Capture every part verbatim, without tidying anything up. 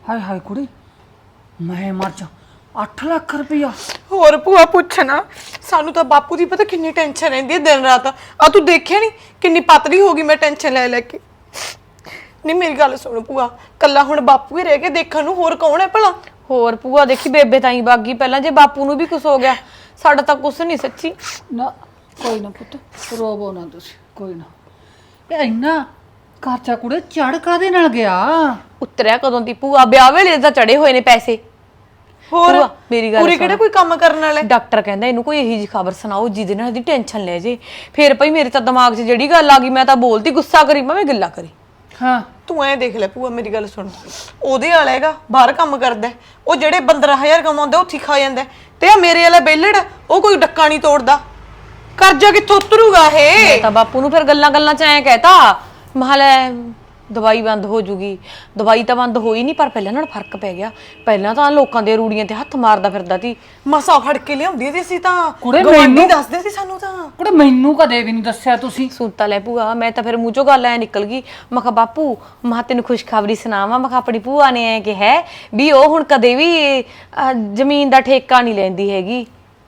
ਹਾਏ ਹਾਏ ਕੁੜੀ ਮੈਂ ਮਰ ਜਾ ਅੱਠ ਲੱਖ ਰੁਪਇਆ ਹੋਰ ਭੂਆ ਪੁੱਛਣਾ ਸਾਨੂੰ ਤਾਂ ਬਾਪੂ ਦੀ ਪਤਾ ਕਿੰਨੀ ਟੈਨਸ਼ਨ ਰਹਿੰਦੀ ਹੈ ਦਿਨ ਰਾਤ ਆ ਤੂੰ ਦੇਖਿਆ ਨਹੀਂ ਕਿੰਨੀ ਪਤਲੀ ਹੋ ਗਈ ਮੈਂ ਟੈਨਸ਼ਨ ਲੈ ਲੈ ਕੇ ਨਹੀਂ ਮੇਰੀ ਗੱਲ ਸੁਣ ਭੂਆ ਕੱਲਾ ਹੁਣ ਬਾਪੂ ਹੀ ਰਹਿ ਕੇ ਦੇਖਣ ਨੂੰ ਹੋਰ ਕੌਣ ਹੈ ਭਲਾ ਹੋਰ ਭੂਆ ਦੇਖੀ ਬੇਬੇ ਤਾਂ ਹੀ ਬਾਗੀ ਪਹਿਲਾਂ ਜੇ ਬਾਪੂ ਨੂੰ ਵੀ ਕੁਝ ਹੋ ਗਿਆ ਸਾਡਾ ਤਾਂ ਕੁਝ ਨਹੀਂ ਸੱਚੀ ਨਾ ਕੋਈ ਨਾ ਪੁੱਤ ਰੋਵੋ ਨਾ ਤੁਸੀਂ ਕੋਈ ਨਾ ਇਹ ਇੰਨਾ ਖਰਚਾ ਕੁੜੇ ਚੜ ਕਾਦੇ ਨਾਲ ਗਿਆ ਉਤਰਿਆ ਕਦੋਂ ਦੀ ਭੂਆ ਵਿਆਹ ਵੇਲੇ ਤਾਂ ਚੜੇ ਹੋਏ ਨੇ ਪੈਸੇ ਹੋਰ ਭੂਆ ਮੇਰੀ ਗੱਲ ਪੂਰੀ ਕਿਹੜਾ ਕੋਈ ਕੰਮ ਕਰਨ ਵਾਲਾ ਡਾਕਟਰ ਕਹਿੰਦਾ ਇਹਨੂੰ ਕੋਈ ਇਹੀ ਜੀ ਖਬਰ ਸੁਣਾਓ ਜਿਹਦੇ ਨਾਲ ਇਹਦੀ ਟੈਨਸ਼ਨ ਲੈ ਜੇ ਫਿਰ ਭਈ ਮੇਰੇ ਤਾਂ ਦਿਮਾਗ 'ਚ ਜਿਹੜੀ ਗੱਲ ਆ ਗਈ ਮੈਂ ਤਾਂ ਬੋਲਤੀ ਗੁੱਸਾ ਕਰੀ ਮੈਂ ਗੱਲਾਂ ਕਰੀ ਹਾਂ ਤੂੰ ਐ ਦੇਖ ਲੈ ਭੂਆ ਮੇਰੀ ਗੱਲ ਸੁਣ ਉਹਦੇ ਵਾਲਾ ਹੈਗਾ ਬਾਹਰ ਕੰਮ ਕਰਦਾ ਉਹ ਜਿਹੜੇ ਪੰਦਰਾਂ ਹਜ਼ਾਰ ਕਮਾਉਂਦਾ ਉੱਥੇ ਖਾ ਜਾਂਦਾ ਤੇ ਆ ਮੇਰੇ ਵਾਲਾ ਬੇਲੜ ਉਹ ਕੋਈ ਡੱਕਾ ਨਹੀਂ ਤੋੜਦਾ ਕਰਜ਼ਾ ਕਿੱਥੋਂ ਉਤਰੂਗਾ ਇਹ ਮੈਂ ਤਾਂ ਬਾਪੂ ਨੂੰ ਫਿਰ ਗੱਲਾਂ ਗੱਲਾਂ 'ਚ ਐਂ ਕਹਿਤਾ ਮਹਲ ਦਵਾਈ ਬੰਦ ਹੋ ਜੂਗੀ ਦਵਾਈ ਤਾਂ ਬੰਦ ਹੋਈ ਨਹੀਂ ਪਰ ਪਹਿਲਾਂ ਨਾਲ ਫਰਕ ਪੈ ਗਿਆ ਪਹਿਲਾਂ ਤਾਂ ਲੋਕਾਂ ਦੇ ਰੂੜੀਆਂ ਤੇ ਹੱਥ ਮਾਰਦਾ ਫਿਰਦਾ ਸੀ ਮਸਾ ਫੜ ਕੇ ਲਿਆਉਂਦੀ ਸੀ ਅਸੀਂ ਤਾਂ ਕੁੜੇ ਗਵਾਂਢੀ ਮੈਨੂੰ ਦੱਸਦੇ ਸੀ ਸਾਨੂੰ ਤਾਂ ਕੁੜੇ ਮੈਨੂੰ ਕਦੇ ਵੀ ਨਹੀਂ ਦੱਸਿਆ ਤੁਸੀਂ ਸੁਣਤਾ ਲੈ ਭੂਆ ਮੈਂ ਤਾਂ ਫਿਰ ਮੂੰਹ ਚੋਂ ਗੱਲ ਐ ਨਿਕਲ ਗਈ ਮੈਂ ਕਿਹਾ ਬਾਪੂ ਮੈਂ ਤੈਨੂੰ ਖੁਸ਼ਖਬਰੀ ਸੁਣਾਵਾਂ ਮੈਂ ਕਿਹਾ ਆਪਣੀ ਭੂਆ ਨੇ ਐ ਕਿ ਹੈ ਵੀ ਉਹ ਹੁਣ ਕਦੇ ਵੀ ਜ਼ਮੀਨ ਦਾ ਠੇਕਾ ਨਹੀਂ ਲੈਂਦੀ ਹੈਗੀ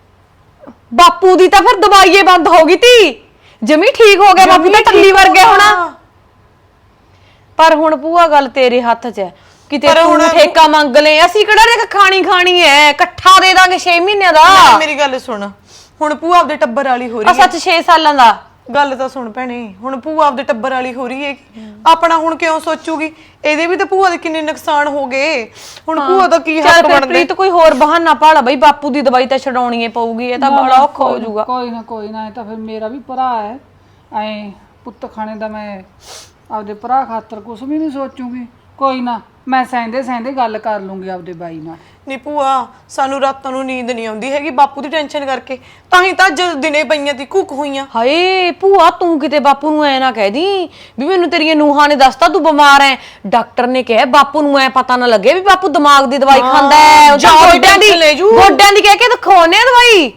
ਬਾਪੂ ਦੀ ਤਾਂ ਫਿਰ ਦਵਾਈਏ ਬੰਦ ਹੋ ਗਈ ਤੀ ਜਮੀ ਠੀਕ ਹੋ ਗਿਆ ਬਾਪੂ ਤਾਂ ਟੱਲੀ ਵਰਗੇ ਹੋਣਾ ਪਰ ਹੁਣ ਭੂਆ ਗੱਲ ਤੇਰੇ ਹੱਥ 'ਚ ਹੈ ਕਿਤੇ ਤੂੰ ਠੇਕਾ ਮੰਗ ਲੈ ਅਸੀਂ ਕਿਹੜਾ ਦੇਖ ਖਾਣੀ ਖਾਣੀ ਐ ਇਕੱਠਾ ਦੇ ਦਾਂਗੇ ਛੇ ਮਹੀਨਿਆਂ ਦਾ ਮੇਰੀ ਗੱਲ ਸੁਣ ਹੁਣ ਭੂਆ ਆਪਦੇ ਟੱਬਰ ਵਾਲੀ ਹੋ ਰਹੀ ਆ ਸੱਚ ਛੇ ਸਾਲਾਂ ਦਾ ਗੱਲ ਤਾਂ ਸੁਣ ਭੈਣੇ ਹੁਣ ਭੂਆ ਆਪਦੇ ਟੱਬਰ ਵਾਲੀ ਹੋ ਰਹੀ ਹੈ ਆਪਣਾ ਹੁਣ ਕਿਉਂ ਸੋਚੂਗੀ ਇਹਦੇ ਵੀ ਤਾਂ ਭੂਆ ਦੇ ਕਿੰਨੇ ਨੁਕਸਾਨ ਹੋ ਗਏ ਹੁਣ ਭੂਆ ਦਾ ਕੀ ਹੱਕ ਬਣਦਾ ਪ੍ਰੀਤ ਕੋਈ ਹੋਰ ਬਹਾਨਾ ਭਾਲਾ ਬਈ ਬਾਪੂ ਦੀ ਦਵਾਈ ਤਾਂ ਛਡਾਉਣੀ ਏ ਪਊਗੀ ਇਹ ਤਾਂ ਬੜਾ ਔਖਾ ਹੋ ਜਾਊਗਾ ਕੋਈ ਨਾ ਕੋਈ ਨਾ ਇਹ ਤਾਂ ਫਿਰ ਮੇਰਾ ਵੀ ਭਰਾ ਹੈ ਐ ਪੁੱਤ ਖਾਣੇ ਦਾ ਮੈਂ ਆਪਦੇ ਭਰਾ ਖਾਤਰ ਕੁਝ ਵੀ ਨਹੀਂ ਸੋਚੂਗੀ ਕੋਈ ਨਾ ਮੈਂ ਸਹਿੰਦੇ ਸਹਿੰਦੇ ਗੱਲ ਕਰ ਲੂੰਗੀ ਆਪਦੇ ਬਾਈ ਨਾਲ ਨੀ ਭੂਆ ਸਾਨੂੰ ਰਾਤਾਂ ਨੂੰ ਨੀਂਦ ਨਹੀਂ ਆਉਂਦੀ ਹੈਗੀ ਬਾਪੂ ਦੀ ਟੈਨਸ਼ਨ ਕਰਕੇ ਤਾਂ ਹੀ ਤਾਂ ਜਦ ਦਿਨੇ ਪਈਆਂ ਤੀ ਕੁੱਕ ਹੋਈਆਂ ਹਾਏ ਭੂਆ ਤੂੰ ਕਿਤੇ ਬਾਪੂ ਨੂੰ ਐ ਨਾ ਕਹਿ ਦੀ ਵੀ ਮੈਨੂੰ ਤੇਰੀਆਂ ਨੂਹਾਂ ਨੇ ਦੱਸਤਾ ਤੂੰ ਬਿਮਾਰ ਐ ਡਾਕਟਰ ਨੇ ਕਿਹਾ ਬਾਪੂ ਨੂੰ ਐ ਪਤਾ ਨਾ ਲੱਗੇ ਵੀ ਬਾਪੂ ਦਿਮਾਗ ਦੀ ਦਵਾਈ ਖਾਂਦਾ ਐ ਉਹ ਗੋਡਿਆਂ ਦੀ ਗੋਡਿਆਂ ਦੀ ਕਹਿ ਕੇ ਦਿਖਾਉਣੇ ਆ ਦਵਾਈ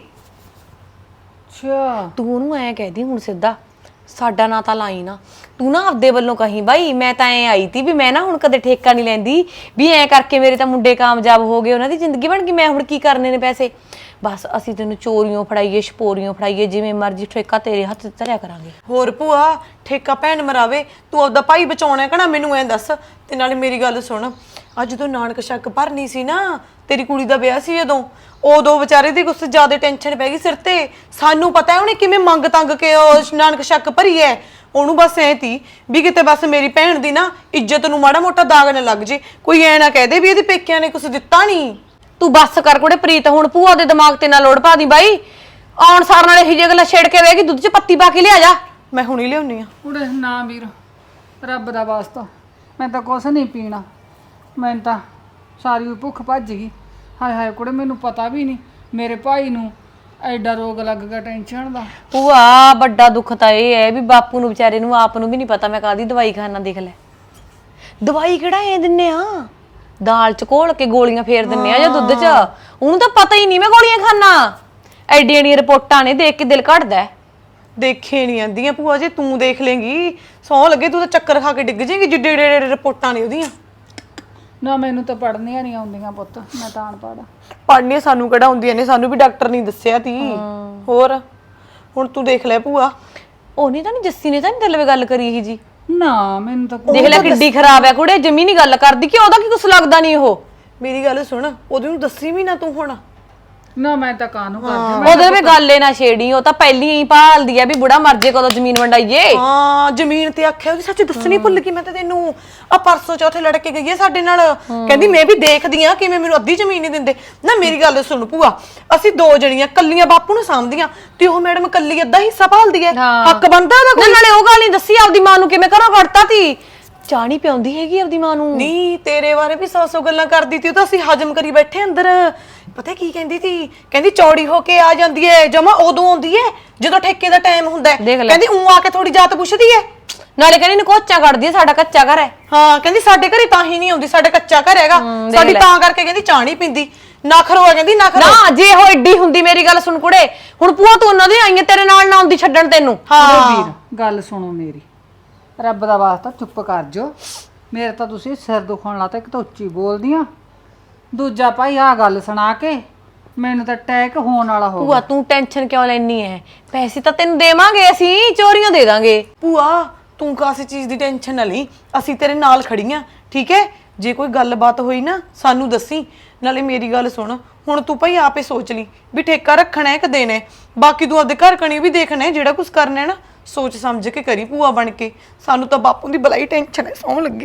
ਅੱਛਾ ਤੂੰ ਉਹਨੂੰ ਐ ਕਹਿ ਦੀ ਹੁਣ ਸਿੱਧਾ ਸਾਡਾ ਨਾਂ ਤਾਂ ਲਾਈ ਨਾ ਤੂੰ ਨਾ ਆਪਦੇ ਵੱਲੋਂ ਕਹੀਂ ਬਾਈ ਮੈਂ ਤਾਂ ਐ ਆਈ ਤੀ ਵੀ ਮੈਂ ਨਾ ਹੁਣ ਕਦੇ ਠੇਕਾ ਨਹੀਂ ਲੈਂਦੀ ਵੀ ਐ ਕਰਕੇ ਮੇਰੇ ਤਾਂ ਮੁੰਡੇ ਕਾਮਯਾਬ ਹੋ ਗਏ ਉਹਨਾਂ ਦੀ ਜ਼ਿੰਦਗੀ ਬਣ ਗਈ ਮੈਂ ਹੁਣ ਕੀ ਕਰਨੇ ਨੇ ਪੈਸੇ ਬਸ ਅਸੀਂ ਤੈਨੂੰ ਚੋਰੀਆਂ ਫੜਾਈਏ ਛਪੋਰੀਆਂ ਫੜਾਈਏ ਜਿਵੇਂ ਮਰਜ਼ੀ ਠੇਕਾ ਤੇਰੇ ਹੱਥ ਤੇ ਧਰਿਆ ਕਰਾਂਗੇ ਹੋਰ ਭੂਆ ਠੇਕਾ ਭੈਣ ਮਰਾਵੇ ਤੂੰ ਆਪਦਾ ਭਾਈ ਬਚਾਉਣਾ ਕਹਣਾ ਮੈਨੂੰ ਐ ਦੱਸ ਤੇ ਨਾਲੇ ਮੇਰੀ ਗੱਲ ਸੁਣ ਅੱਜ ਜਦੋਂ ਨਾਨਕ ਸ਼ੱਕ ਭਰਨੀ ਸੀ ਨਾ ਤੇਰੀ ਕੁੜੀ ਦਾ ਵਿਆਹ ਸੀ ਜਦੋਂ ਉਦੋਂ ਵਿਚਾਰੇ ਦੀ ਕੁਛ ਜ਼ਿਆਦਾ ਟੈਨਸ਼ਨ ਪੈ ਗਈ ਸਿਰ ਤੇ ਸਾਨੂੰ ਪਤਾ ਹੈ ਉਹਨੇ ਕਿਵੇਂ ਮੰਗ ਤੰਗ ਕੇ ਉਹ ਨਾਨਕ ਸ਼ੱਕ ਭਰੀ ਐ ਉਹਨੂੰ ਬਸ ਐ ਤੀ ਵੀ ਕਿਤੇ ਬਸ ਮੇਰੀ ਭੈਣ ਦੀ ਨਾ ਇੱਜ਼ਤ ਨੂੰ ਮਾੜਾ ਮੋਟਾ ਦਾਗ ਨਾ ਲੱਗ ਜੇ ਕੋਈ ਐ ਨਾ ਕਹਦੇ ਵੀ ਇਹਦੇ ਪੇਕਿਆਂ ਨੇ ਕੁਛ ਦਿੱਤਾ ਨਹੀਂ ਤੂੰ ਬੱਸ ਕਰ ਕੋੜੇ ਪ੍ਰੀਤ ਹੁਣ ਭੂਆ ਦੇ ਦਿਮਾਗ ਤੇ ਨਾ ਲੋੜ ਪਾ ਦੀ ਬਾਈ ਆਉਣ ਸਾਰ ਨਾਲ ਇਹੀ ਜਿਹੀ ਗੱਲਾਂ ਛੇੜ ਕੇ ਵੇਗੀ ਦੁੱਧ 'ਚ ਪੱਤੀ ਪਾ ਕੇ ਲਿਆ ਜਾ ਮੈਂ ਹੁਣੀ ਲਿਆਉਣੀ ਆ ਕੁੜੇ ਨਾ ਵੀਰ ਰੱਬ ਦਾ ਵਾਸਤਾ ਮੈਂ ਤਾਂ ਕੁਛ ਨਹੀਂ ਪੀਣਾ ਮੈਂ ਤਾਂ ਸਾਰੀ ਭੁੱਖ ਭੱਜ ਗਈ ਹਾਏ ਹਾਏ ਕੁੜੇ ਮੈਨੂੰ ਪਤਾ ਵੀ ਨਹੀਂ ਮੇਰੇ ਭਾਈ ਨੂੰ ਐਡਾ ਰੋਗ ਲੱਗ ਗਿਆ ਟੈਨਸ਼ਨ ਦਾ ਭੂਆ ਵੱਡਾ ਦੁੱਖ ਤਾਂ ਇਹ ਹੈ ਵੀ ਬਾਪੂ ਨੂੰ ਵਿਚਾਰੇ ਨੂੰ ਆਪ ਨੂੰ ਵੀ ਨਹੀਂ ਪਤਾ ਮੈਂ ਕਾਦੀ ਦਵਾਈ ਖਾਣਾ ਦੇਖ ਲੈ ਦਵਾਈ ਕਿਹੜਾ ਐ ਦਿੰਨੇ ਆ ਦਾਲ ਚ ਘੋਲ ਕੇ ਗੋਲੀਆਂ ਫੇਰ ਦਿੰਨੇ ਆ ਜਾਂ ਦੁੱਧ ਚ ਉਹਨੂੰ ਤਾਂ ਪਤਾ ਹੀ ਨਹੀਂ ਮੈਂ ਗੋਲੀਆਂ ਖਾਣਾ ਐਡੀਆਂ ਐਡੀਆਂ ਰਿਪੋਰਟਾਂ ਨੇ ਦੇਖ ਕੇ ਦਿਲ ਘਟਦਾ ਦੇਖੇ ਨਹੀਂ ਆਂਦੀਆਂ ਭੂਆ ਜੇ ਤੂੰ ਦੇਖ ਲੇਂਗੀ ਸੌ ਲੱਗੇ ਤੂੰ ਤਾਂ ਚੱਕਰ ਖਾ ਕੇ ਡਿੱਗ ਜਾਏਂਗੀ ਜਿੱਡੇ ਡੇ ਰਿਪੋਰਟਾਂ ਨੇ ਉਹਦੀਆਂ ਨਾ ਮੈਨੂੰ ਤਾਂ ਪੜ੍ਹਨੀਆਂ ਨਹੀਂ ਆਉਂਦੀਆਂ ਪੁੱਤ ਮੈਂ ਤਾਂ ਅਨਪੜ੍ਹ ਪੜ੍ਹਨੀਆਂ ਸਾਨੂੰ ਕਿਹੜਾ ਹੁੰਦੀਆਂ ਨੇ ਸਾਨੂੰ ਵੀ ਡਾਕਟਰ ਨਹੀਂ ਦੱਸਿਆ ਤੀ ਹੋਰ ਹੁਣ ਤੂੰ ਦੇਖ ਲੈ ਭੂਆ ਉਹ ਨਹੀਂ ਤਾਂ ਨਹੀਂ ਜੱਸੀ ਨੇ ਤਾਂ ਨਹੀਂ ਦਿਲਵੇ ਗੱਲ ਕਰੀ ਇਹ ਜੀ ਨਾ ਮੈਨੂੰ ਤਾਂ ਦੇਖ ਲੈ ਕਿੱਡੀ ਖਰਾਬ ਹੈ ਕੁੜੇ ਜਮੀ ਨਹੀਂ ਗੱਲ ਕਰਦੀ ਕਿ ਉਹਦਾ ਕੀ ਕੁਛ ਲੱਗਦਾ ਨਹੀਂ ਉਹ ਮੇਰੀ ਗੱਲ ਸੁਣ ਉਹਦੇ ਨੂੰ ਦੱਸੀ ਵੀ ਨਾ ਤੂੰ ਹੁਣ ਨਾ ਮੈਂ ਤਾਂ ਕਾਹਨੂੰ ਕਰਦੀ ਉਹਦੇ ਵੀ ਗੱਲ ਏ ਨਾ ਛੇੜੀ ਉਹ ਤਾਂ ਪਹਿਲੀ ਹੀ ਭਾਲਦੀ ਆ ਵੀ ਬੁੜਾ ਮਰ ਜੇ ਕਦੋਂ ਜ਼ਮੀਨ ਵੰਡਾਈਏ ਹਾਂ ਜ਼ਮੀਨ ਤੇ ਆਖਿਆ ਉਹਦੀ ਸੱਚ ਦੱਸਣੀ ਭੁੱਲ ਗਈ ਮੈਂ ਤਾਂ ਤੈਨੂੰ ਆ ਪਰਸੋਂ ਚੌਥੇ ਲੜ ਕੇ ਗਈ ਹੈ ਸਾਡੇ ਨਾਲ ਕਹਿੰਦੀ ਮੈਂ ਵੀ ਦੇਖਦੀ ਆ ਕਿਵੇਂ ਮੈਨੂੰ ਅੱਧੀ ਜ਼ਮੀਨ ਨਹੀਂ ਦਿੰਦੇ ਨਾ ਮੇਰੀ ਗੱਲ ਸੁਣ ਭੂਆ ਅਸੀਂ ਦੋ ਜਣੀਆਂ ਕੱਲੀਆਂ ਬਾਪੂ ਨੂੰ ਸਾਂਭਦੀਆਂ ਤੇ ਉਹ ਮੈਡਮ ਕੱਲੀ ਅੱਧਾ ਹਿੱਸਾ ਭਾਲਦੀ ਹੈ ਹੱਕ ਬਣਦਾ ਉਹਦਾ ਕੋਈ ਨਾਲੇ ਉਹ ਗੱਲ ਨਹੀਂ ਦੱਸੀ ਆਪਦੀ ਮਾਂ ਨੂੰ ਕਿਵੇਂ ਘਰੋਂ ਕੱਢਤਾ ਤੀ ਚਾਹ ਨਹੀਂ ਪਿਆਉਂਦੀ ਹੈਗੀ ਆਪਦੀ ਮਾਂ ਨੂੰ ਨਹੀਂ ਤੇਰੇ ਬਾਰੇ ਵੀ ਸੌ ਸੌ ਗੱਲਾਂ ਕਰਦੀ ਤੀ ਉਹ ਤਾਂ ਅਸੀਂ ਹਜਮ ਕਰੀ ਬੈਠੇ ਅੰਦਰ ਪਤਾ ਕੀ ਕਹਿੰਦੀ ਤੀ ਕਹਿੰਦੀ ਚੌੜੀ ਹੋ ਕੇ ਆ ਜਾਂਦੀ ਏ ਜਮਾ ਉਦੋਂ ਆਉਂਦੀ ਏ ਜਦੋਂ ਠੇਕੇ ਦਾ ਟਾਈਮ ਹੁੰਦਾ ਕਹਿੰਦੀ ਉਂ ਆ ਕੇ ਥੋੜੀ ਜਾਤ ਪੁੱਛਦੀ ਏ ਨਾਲੇ ਕਹਿੰਦੀ ਨਕੋਚਾ ਕੱਢਦੀ ਏ ਸਾਡਾ ਕੱਚਾ ਘਰ ਹੈ ਹਾਂ ਕਹਿੰਦੀ ਸਾਡੇ ਘਰੇ ਤਾਂ ਹੀ ਨਹੀਂ ਆਉਂਦੀ ਸਾਡਾ ਕੱਚਾ ਘਰ ਹੈਗਾ ਸਾਡੀ ਤਾਂ ਕਰਕੇ ਕਹਿੰਦੀ ਚਾਹ ਨਹੀਂ ਪੀਂਦੀ ਨਖਰੋ ਆ ਕਹਿੰਦੀ ਨਖਰੋ ਨਾ ਜੇ ਉਹ ਏਡੀ ਹੁੰਦੀ ਮੇਰੀ ਗੱਲ ਸੁਣ ਕੁੜੇ ਹੁਣ ਭੂਆ ਤੂੰ ਉਹਨਾਂ ਦੀ ਆਈਆਂ ਤੇਰੇ ਨਾਲ ਨਾ ਆਉਂਦੀ ਛੱਡਣ ਤੈਨੂੰ ਹਾਂ ਵੀਰ ਗੱਲ ਸੁਣੋ ਮੇਰੀ ਰੱਬ ਦਾ ਵਾਸਤਾ ਚੁੱਪ ਕਰ ਜੋ ਮੇਰੇ ਤਾਂ ਤੁਸੀਂ ਸਿਰ ਦੁਖਣ ਲਾਤਾ। ਇੱਕ ਤਾਂ ਉੱਚੀ ਬੋਲਦੀਆਂ, ਦੂਜਾ ਭਾਈ ਆਹ ਗੱਲ ਸੁਣਾ ਕੇ ਮੈਨੂੰ ਤਾਂ ਅਟੈਕ ਹੋਣ ਵਾਲਾ ਹੋ ਭੂਆ ਤੂੰ ਟੈਨਸ਼ਨ ਕਿਉਂ ਲੈਣੀ ਹੈ? ਪੈਸੇ ਤਾਂ ਤੈਨੂੰ ਦੇਵਾਂਗੇ, ਅਸੀਂ ਚੋਰੀਆਂ ਦੇ ਦਾਂਗੇ। ਭੂਆ ਤੂੰ ਕਾਸੇ ਚੀਜ਼ ਦੀ ਟੈਨਸ਼ਨ ਨਾ ਲਈ, ਅਸੀਂ ਤੇਰੇ ਨਾਲ ਖੜੀਆਂ, ਠੀਕ ਹੈ? ਜੇ ਕੋਈ ਗੱਲਬਾਤ ਹੋਈ ਨਾ ਸਾਨੂੰ ਦੱਸੀ। ਨਾਲੇ ਮੇਰੀ ਗੱਲ ਸੁਣ, ਹੁਣ ਤੂੰ ਭਾਈ ਆਪੇ ਸੋਚ ਲਈ ਵੀ ਠੇਕਾ ਰੱਖਣਾ ਹੈ ਕਿ ਦੇਣਾ ਹੈ। ਬਾਕੀ ਤੂੰ ਆਪਦੇ ਘਰ ਕਣੀ ਵੀ ਦੇਖਣਾ ਹੈ, ਜਿਹੜਾ ਕੁਝ ਕਰਨਾ ਹੈ ਨਾ ਸੋਚ ਸਮਝ ਕੇ ਕਰੀ ਭੂਆ ਬਣ ਕੇ। ਸਾਨੂੰ ਤਾਂ ਬਾਪੂ ਦੀ ਬਲਾਈ ਟੈਨਸ਼ਨ ਹੈ, ਸੌਂ ਲੱਗੀ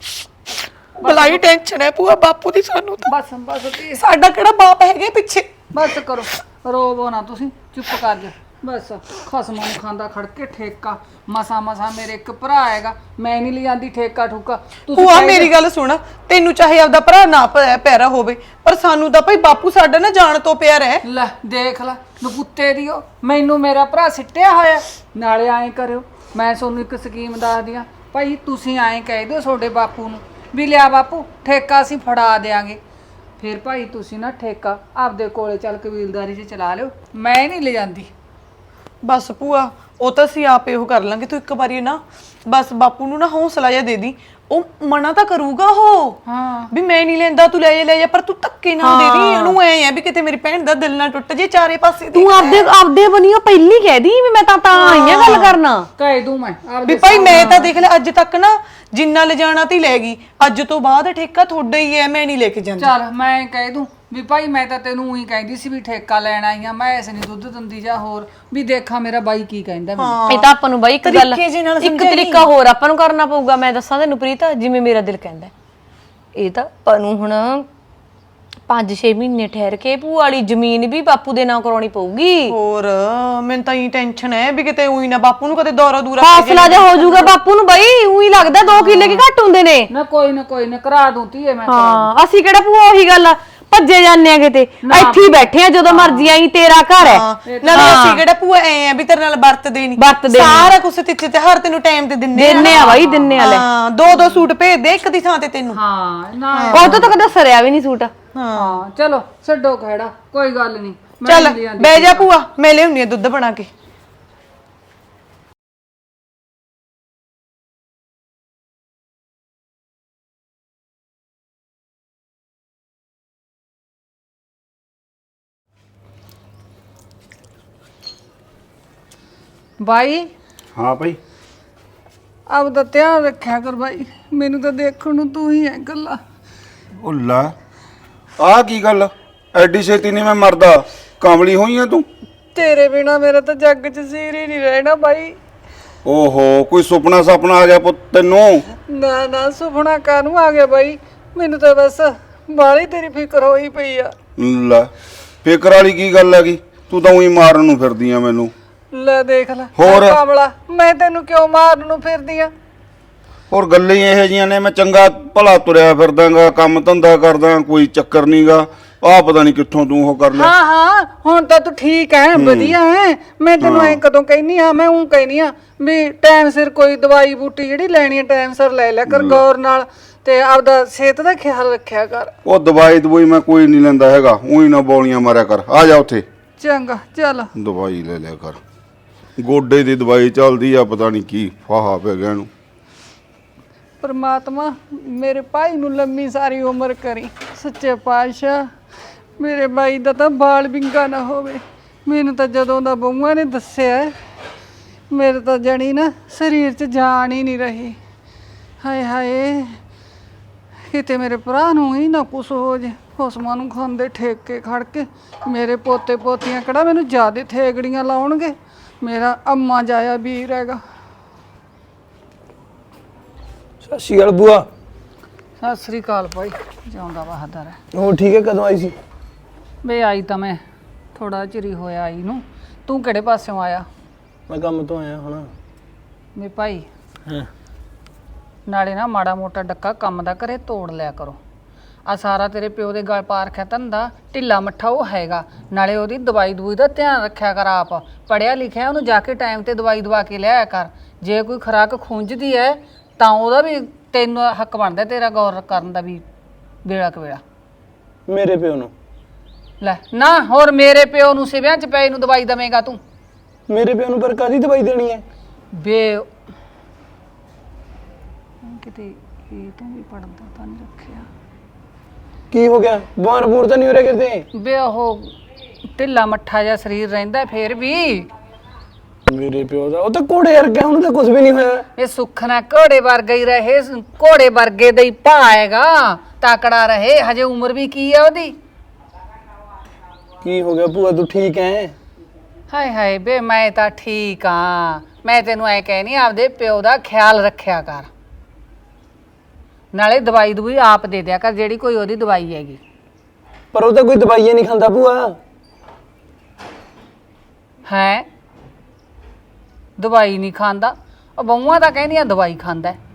ਬਲਾਈ ਟੈਨਸ਼ਨ ਹੈ ਭੂਆ ਬਾਪੂ ਦੀ ਸਾਨੂੰ ਤਾਂ। ਬਸ ਬਸ please, ਸਾਡਾ ਕਿਹੜਾ ਬਾਪ ਹੈਗੇ ਪਿੱਛੇ। ਬਸ ਕਰੋ, ਰੋਵੋ ਨਾ ਤੁਸੀਂ, ਚੁੱਪ ਕਰ ਜਾ ਬਸ। ਖਸਮਾਂ ਨੂੰ ਖਾਂਦਾ ਖੜ ਕੇ ਠੇਕਾ, ਮਸਾ ਮਸਾ ਮੇਰੇ ਇੱਕ ਭਰਾ ਹੈਗਾ, ਮੈਂ ਨਹੀਂ ਲਿਆਂਦੀ ਠੇਕਾ ਠੁਕਾ। ਭੂਆ ਕਹਿੰਦੇ- ਮੇਰੀ ਗੱਲ ਸੁਣ, ਤੈਨੂੰ ਚਾਹੇ ਆਪਦਾ ਭਰਾ ਨਾ ਪ- ਪਿਆਰਾ ਹੋਵੇ, ਪਰ ਸਾਨੂੰ ਤਾਂ ਭਾਈ ਬਾਪੂ ਸਾਡਾ ਨਾ ਜਾਣ ਤੋਂ ਪਿਆਰਾ ਹੈ। ਲੈ ਦੇਖ ਲੈ ਨਪੁੱਤੇ ਦਿਓ, ਮੈਨੂੰ ਮੇਰਾ ਭਰਾ ਸਿੱਟਿਆ ਹੋਇਆ। ਨਾਲੇ ਐਂ ਕਰਿਓ, ਮੈਂ ਤੁਹਾਨੂੰ ਇੱਕ ਸਕੀਮ ਦੱਸਦੀ ਆ ਭਾਈ, ਤੁਸੀਂ ਐਂ ਕਹਿ ਦਿਓ ਤੁਹਾਡੇ ਬਾਪੂ ਨੂੰ ਵੀ ਲਿਆ ਬਾਪੂ ਠੇਕਾ ਅਸੀਂ ਫੜਾ ਦੇਾਂਗੇ। ਫਿਰ ਭਾਈ ਤੁਸੀਂ ਨਾ ਠੇਕਾ ਆਪਦੇ ਕੋਲੇ ਚੱਲ ਕਬੀਲਦਾਰੀ 'ਚ ਚਲਾ ਲਿਓ, ਮੈਂ ਨਹੀਂ ਲੈ ਜਾਂਦੀ। ਬਸ ਭੂਆ ਉਹ ਤਾਂ ਅਸੀਂ ਆਪੇ ਉਹ ਕਰ ਲਾਂਗੇ, ਤੂੰ ਇੱਕ ਵਾਰੀ ਨਾ ਬਸ ਬਾਪੂ ਨੂੰ ਨਾ ਹੌਸਲਾ ਜਿਹਾ ਦੇ ਦੀ, ਉਹ ਮਨਾ ਤਾਂ ਕਰੂਗਾ ਉਹ ਹਾਂ ਵੀ ਮੈਂ ਨਹੀਂ ਲੈਂਦਾ, ਤੂੰ ਲੈ ਜਾ ਲੈ ਜਾ, ਪਰ ਤੂੰ ਧੱਕੇ ਨਾ ਦੇ ਦੀ ਉਹਨੂੰ। ਐ ਆ ਵੀ ਕਿਤੇ ਮੇਰੀ ਭੈਣ ਦਾ ਦਿਲ ਨਾ ਟੁੱਟ ਜੇ ਚਾਰੇ ਪਾਸੇ ਤੂੰ ਆਪਦੇ ਆਪਦੇ ਬਣੀਓ ਪਹਿਲੀ ਕਹਿ ਦੀ ਵੀ ਮੈਂ ਤਾਂ ਤਾਂ ਆਈ ਆ ਗੱਲ ਕਰਨਾ। ਕਹਿ ਦੂੰ ਮੈਂ ਵੀ ਆਪਦੇ ਭਾਈ ਮੈਂ ਤਾਂ ਦੇਖ ਲੈ ਅੱਜ ਤੱਕ ਨਾ ਜਿੰਨਾ ਲਿਜਾਣਾ ਤੀ ਲੈ ਗਈ, ਅੱਜ ਤੋਂ ਬਾਅਦ ਠੇਕਾ ਤੁਹਾਡਾ ਹੀ ਹੈ, ਮੈਂ ਨਹੀਂ ਲੈ ਕੇ ਜਾਂਦੀ। ਚੱਲ ਮੈਂ ਕਹਿ ਦੂੰ ਵੀ ਭਾਈ ਮੈਂ ਤਾਂ ਤੈਨੂੰ ਉਹੀ ਕਹਿੰਦੀ ਸੀ ਵੀ ਠੇਕਾ ਲੈਣ ਆਈ ਆ, ਮੈਂ ਐਸੇ ਨਹੀਂ ਦੁੱਧ ਦਿੰਦੀ ਜਾਂ ਹੋਰ ਵੀ ਦੇਖਾਂ ਮੇਰਾ ਬਾਈ ਕੀ ਕਹਿੰਦਾ ਮੈਨੂੰ। ਇਹ ਤਾਂ ਆਪਾਂ ਨੂੰ ਬਾਈ ਇੱਕ ਗੱਲ ਤਰੀਕੇ ਜਿਹੇ ਨਾਲ ਇੱਕ ਸਮਝਾਈ। ਤਰੀਕਾ ਹੋਰ ਆਪਾਂ ਨੂੰ ਕਰਨਾ ਪਊਗਾ। ਮੈਂ ਦੱਸਾਂ ਤੈਨੂੰ ਪ੍ਰੀਤ, ਜਿਵੇਂ ਮੇਰਾ ਦਿਲ ਕਹਿੰਦਾ, ਇਹ ਤਾਂ ਆਪਾਂ ਨੂੰ ਹੁਣ ਪੰਜ ਛੇ ਮਹੀਨੇ ਠਹਿਰ ਕੇ ਭੂਆ ਵਾਲੀ ਜ਼ਮੀਨ ਵੀ ਬਾਪੂ ਦੇ ਨਾਂ ਕਰਾਉਣੀ ਪਊਗੀ। ਹੋਰ ਮੈਨੂੰ ਤਾਂ ਇਹ ਟੈਨਸ਼ਨ ਹੈ ਵੀ ਕਿਤੇ ਉਹੀ ਨਾ ਬਾਪੂ ਨੂੰ ਕਦੇ ਦੌਰਾ ਦੂਰਾ ਹੌਸਲਾ ਜਿਹਾ ਹੋ ਜਾਊਗਾ ਬਾਪੂ ਨੂੰ। ਬਈ ਉਹੀ ਲੱਗਦਾ ਦੋ ਕਿੱਲੇ ਕੀ ਘੱਟ ਹੁੰਦੇ ਨੇ। ਨਾ ਕੋਈ ਨਾ ਕੋਈ ਨਾ ਕਰਾ ਦੂੰ ਧੀਏ ਮੈਂ। ਹਾਂ ਅਸੀਂ ਕਿਹੜਾ ਭੂਆ ਉਹੀ ਗੱਲ ਆ ਭੱਜੇ ਜਾਂਦੇ ਆ ਕਿਤੇ, ਇੱਥੇ ਹੀ ਬੈਠੇ ਆ, ਜਦੋਂ ਮਰਜ਼ੀ ਆਈ ਤੇਰਾ ਘਰ ਹੈ। ਨਾਲੇ ਅਸੀਂ ਕਿਹੜਾ ਭੂਆ ਐ ਆ ਵੀ ਤੇਰੇ ਨਾਲ ਵਰਤਦੇ ਨਹੀਂ, ਵਰਤਦੇ ਨੀ। ਸਾਰਾ ਕੁਝ ਤਿੱਥੇ ਤੇ ਹਰ ਤੈਨੂੰ ਟਾਈਮ ਤੇ ਦਿੰਨੇ ਦਿੰਨੇ ਆ ਬਾਈ, ਦਿੰਨੇ ਆ ਲੈ। ਹਾਂ ਦੋ ਦੋ ਸੂਟ ਭੇਜ ਦੇ ਇੱਕ ਦੀ ਥਾਂ ਤੇ ਤੈਨੂੰ। ਹਾਂ ਨਾ ਉਹ ਤੋਂ ਤਾਂ ਕਦੇ ਸਰਿਆ ਵੀ ਨਹੀਂ ਸੂਟ। ਹਾਂ ਚਲੋ ਛੱਡੋ ਖੜਾ, ਕੋਈ ਗੱਲ ਨਹੀਂ। ਚੱਲ ਬਹਿ ਜਾ ਭੂਆ, ਮੈਂ ਲਿਆਉਣੀ ਆ ਦੁੱਧ ਬਣਾ ਕੇ। ਬਾਈ ਹਾਂ ਭਾਈ, ਆਪਦਾ ਧਿਆਨ ਰੱਖਿਆ ਕਰ ਬਾਈ, ਮੈਨੂੰ ਤਾਂ ਦੇਖਣ ਨੂੰ ਤੂੰ ਹੀ ਹੈ ਗੱਲਾਂ। ਉਹ ਲੈ ਆਹ ਕੀ ਗੱਲ, ਐਡੀ ਛੇਤੀ ਨਹੀਂ ਮੈਂ ਮਰਦਾ, ਕਾਮਲੀ ਹੋਈ ਆ ਤੂੰ? ਤੇਰੇ ਬਿਨਾ ਮੇਰਾ ਤਾਂ ਜੱਗ 'ਚ ਸਿਰ ਹੀ ਨਹੀਂ ਰਹਿਣਾ ਬਾਈ। ਓਹੋ ਕੋਈ ਸੁਪਨਾ ਸੁਪਨਾ ਆ ਗਿਆ ਪੁੱਤ ਤੈਨੂੰ? ਨਾ ਨਾ ਸੁਪਨਾ ਕਾਹਨੂੰ ਆ ਗਿਆ ਬਾਈ, ਮੈਨੂੰ ਤਾਂ ਬਸ ਬਾਹਲੀ ਤੇਰੀ ਫਿਕਰ ਹੋਈ ਪਈ ਆ। ਲੈ ਫਿਕਰ ਵਾਲੀ ਕੀ ਗੱਲ ਹੈਗੀ, ਤੂੰ ਤਾਂ ਉਹੀ ਮਾਰਨ ਨੂੰ ਫਿਰਦੀ ਆ ਮੈਨੂੰ। ਲੈ ਦੇਖ ਲੈ ਹੋਰ? ਕਾਮਲਾ, ਮੈਂ ਤੈਨੂੰ ਕਿਉਂ ਮਾਰਨ ਨੂੰ ਫਿਰਦੀ ਆ? ਹੋਰ ਗੱਲਾਂ ਹੀ ਇਹੋ ਜੀਆਂ ਨੇ, ਮੈਂ ਚੰਗਾ ਭਲਾ ਤੁਰਿਆ ਫਿਰਦਾਗਾ, ਕੰਮ ਧੰਦਾ ਕਰਦਾ, ਕੋਈ ਚੱਕਰ ਨਹੀਂਗਾ। ਆਹ ਪਤਾ ਨਹੀਂ ਕਿੱਥੋਂ ਤੂੰ ਉਹ ਕਰ ਲਿਆ। ਹਾਂ ਹਾਂ ਹੁਣ ਤਾਂ ਤੂੰ ਠੀਕ ਹੈ, ਵਧੀਆ ਹੈ। ਮੈਂ ਤੈਨੂੰ ਐ ਕਦੋਂ ਕਹਿਨੀ ਆ, ਮੈਂ ਉਹ ਕਹਿਨੀ ਆ ਵੀ ਟਾਈਮ ਸਿਰ ਕੋਈ ਦਵਾਈ ਬੂਟੀ ਜਿਹੜੀ ਲੈਣੀ ਹੈ ਟਾਈਮ ਸਿਰ ਲੈ ਲਿਆ ਕਰ ਗੌਰ ਨਾਲ, ਤੇ ਆਪਦਾ ਸਿਹਤ ਦਾ ਖਿਆਲ ਰੱਖਿਆ ਕਰ। ਉਹ ਦਵਾਈ ਦਵਾਈ ਮੈਂ ਕੋਈ ਨਹੀਂ ਲੈਂਦਾ ਹੈਗਾ, ਉਹੀ ਨਾ ਬੋਲੀਆਂ ਮਾਰਿਆ ਕਰ। ਆ ਜਾ ਉੱਥੇ, ਚੰਗਾ ਚੱਲ। ਦਵਾਈ ਲੈ ਲਿਆ ਕਰ, ਗੋਡੇ ਦੀ ਦਵਾਈ ਚੱਲਦੀ ਆ, ਪਤਾ ਨਹੀਂ ਕੀ ਫਾਹਾ ਪੈ ਗਿਆ ਇਹਨੂੰ। ਪਰਮਾਤਮਾ ਮੇਰੇ ਭਾਈ ਨੂੰ ਲੰਮੀ ਸਾਰੀ ਉਮਰ ਕਰੀ, ਸੱਚੇ ਪਾਤਸ਼ਾਹ ਮੇਰੇ ਭਾਈ ਦਾ ਤਾਂ ਬਾਲ ਵਿੰਗਾ ਨਾ ਹੋਵੇ। ਮੈਨੂੰ ਤਾਂ ਜਦੋਂ ਦਾ ਬਹੂਆਂ ਨੇ ਦੱਸਿਆ, ਮੇਰੇ ਤਾਂ ਜਣੀ ਨਾ ਸਰੀਰ 'ਚ ਜਾਨ ਹੀ ਨਹੀਂ ਰਹੀ। ਹਾਏ ਹਾਏ ਕਿਤੇ ਮੇਰੇ ਭਰਾ ਨੂੰ ਹੀ ਨਾ ਕੁਛ ਹੋ ਜੇ, ਖੁਸਮਾਂ ਨੂੰ ਖਾਂਦੇ ਠੇਕ ਕੇ ਖੜ ਕੇ। ਮੇਰੇ ਪੋਤੇ ਪੋਤੀਆਂ ਕਿਹੜਾ ਮੈਨੂੰ ਜ਼ਿਆਦੇ ਥੇਗੜੀਆਂ ਲਾਉਣਗੇ, ਮੇਰਾ ਅੰਮਾ ਜਾਇਆ ਵੀਰ ਹੈਗਾ। ਸਤਿ ਸ਼੍ਰੀ ਅਕਾਲ ਬੂਆ। ਸਤਿ ਸ੍ਰੀ ਅਕਾਲ ਭਾਈ, ਜਿਉਂਦਾ ਬਹਾਦਰ ਹੈ। ਹੋਰ ਠੀਕ ਹੈ, ਕਦੋਂ ਆਈ ਸੀ? ਵੇ ਆਈ ਤਾਂ ਮੈਂ ਥੋੜਾ ਚਿਰ ਹੀ ਹੋਇਆ ਆਈ ਨੂੰ, ਤੂੰ ਕਿਹੜੇ ਪਾਸਿਓਂ ਆਇਆ? ਮੈਂ ਕੰਮ ਤੋਂ ਆਇਆ ਹੁਣ। ਵੇ ਭਾਈ ਹਾਂ ਨਾਲੇ ਨਾ ਮਾੜਾ ਮੋਟਾ ਡੱਕਾ ਕੰਮ ਦਾ ਘਰੇ ਤੋੜ ਲਿਆ ਕਰੋ। ਆ ਸਾਰਾ ਤੇਰੇ ਪਿਓ ਦੇ ਗਲ ਪਾ ਰੱਖਿਆ ਧੰਦਾ, ਢਿੱਲਾ ਮੱਠਾ ਉਹ ਹੈਗਾ। ਨਾਲੇ ਉਹਦੀ ਦਵਾਈ ਦਵੂਈ ਦਾ ਧਿਆਨ ਰੱਖਿਆ ਕਰ, ਆਪ ਪੜਿਆ ਲਿਖਿਆ, ਉਹਨੂੰ ਜਾ ਕੇ ਟਾਈਮ ਤੇ ਦਵਾਈ ਦਵਾ ਕੇ ਲਿਆਇਆ ਕਰ। ਜੇ ਕੋਈ ਖੁਰਾਕ ਖੁੰਝਦੀ ਹੈ ਤਾਂ ਉਹਦਾ ਵੀ ਤੈਨੂੰ ਹੱਕ ਬਣਦਾ ਤੇਰਾ ਗੌਰ ਕਰਨ ਦਾ ਵੀ ਵੇਲਾ ਕਵੇਲਾ। ਮੇਰੇ ਪਿਓ ਨੂੰ? ਲੈ ਨਾ ਹੋਰ ਮੇਰੇ ਪਿਓ ਨੂੰ ਸਿਵਿਆਂ 'ਚ ਪਏ ਨੂੰ ਦਵਾਈ ਦਵੇਂਗਾ ਤੂੰ? ਮੇਰੇ ਪਿਓ ਨੂੰ ਪਰ ਕਾਹਦੀ ਦਵਾਈ ਦੇਣੀ ਹੈ? ਬੇ ਕਿਤੇ ਇਹ ਤੋਂ ਵੀ ਪੜਦਾ ਤਾਂ ਨਹੀਂ ਰੱਖਿਆ। ਕੀ ਹੋ ਗਿਆ? ਬਿਮਾਰ ਬੂਰ ਤਾਂ ਨਹੀਂ ਹੋ ਰਿਹਾ ਕਿਤੇ? ਵੇ ਉਹ ਢਿੱਲਾ ਮੱਠਾ ਜਿਹਾ ਸਰੀਰ ਰਹਿੰਦਾ ਫੇਰ ਵੀ। ਮੇਰੇ ਪਿਓ ਦਾ ਉਹ ਤਾਂ ਘੋੜੇ ਵਰਗਾ, ਉਹਨੂੰ ਤਾਂ ਕੁਝ ਵੀ ਨਹੀਂ ਹੋਇਆ। ਇਹ ਸੁੱਖ ਨਾ ਘੋੜੇ ਵਰਗਾ ਹੀ ਰਹੇ, ਘੋੜੇ ਵਰਗੇ ਦਾ ਹੀ ਭਾਏਗਾ, ਤਕੜਾ ਰਹੇ। ਹਜੇ ਉਮਰ ਵੀ ਕੀ ਆ ਉਹਦੀ। ਕੀ ਹੋ ਗਿਆ ਭੂਆ, ਤੂੰ ਠੀਕ ਹੈ? ਹਾਏ ਹਾਏ ਬੇ ਮੈਂ ਤਾਂ ਠੀਕ ਆ। ਮੈਂ ਤੈਨੂੰ ਐ ਕਹਿਨੀ ਆਪਦੇ ਪਿਓ ਦਾ ਖਿਆਲ ਰੱਖਿਆ ਕਰ, ਨਾਲੇ ਦਵਾਈ ਦਵਾਈ ਆਪ ਦੇ ਦਿਆ ਕਰ ਜਿਹੜੀ ਕੋਈ ਉਹਦੀ ਦਵਾਈ ਹੈਗੀ। ਪਰ ਉਹ ਤਾਂ ਕੋਈ ਦਵਾਈਆਂ ਨਹੀਂ ਖਾਂਦਾ ਭੂਆ। ਹੈ ਦਵਾਈ ਨਹੀਂ ਖਾਂਦਾ? ਉਹ ਬਹੂਆਂ ਤਾਂ ਕਹਿੰਦੀਆਂ ਦਵਾਈ ਖਾਂਦਾ ਹੈ।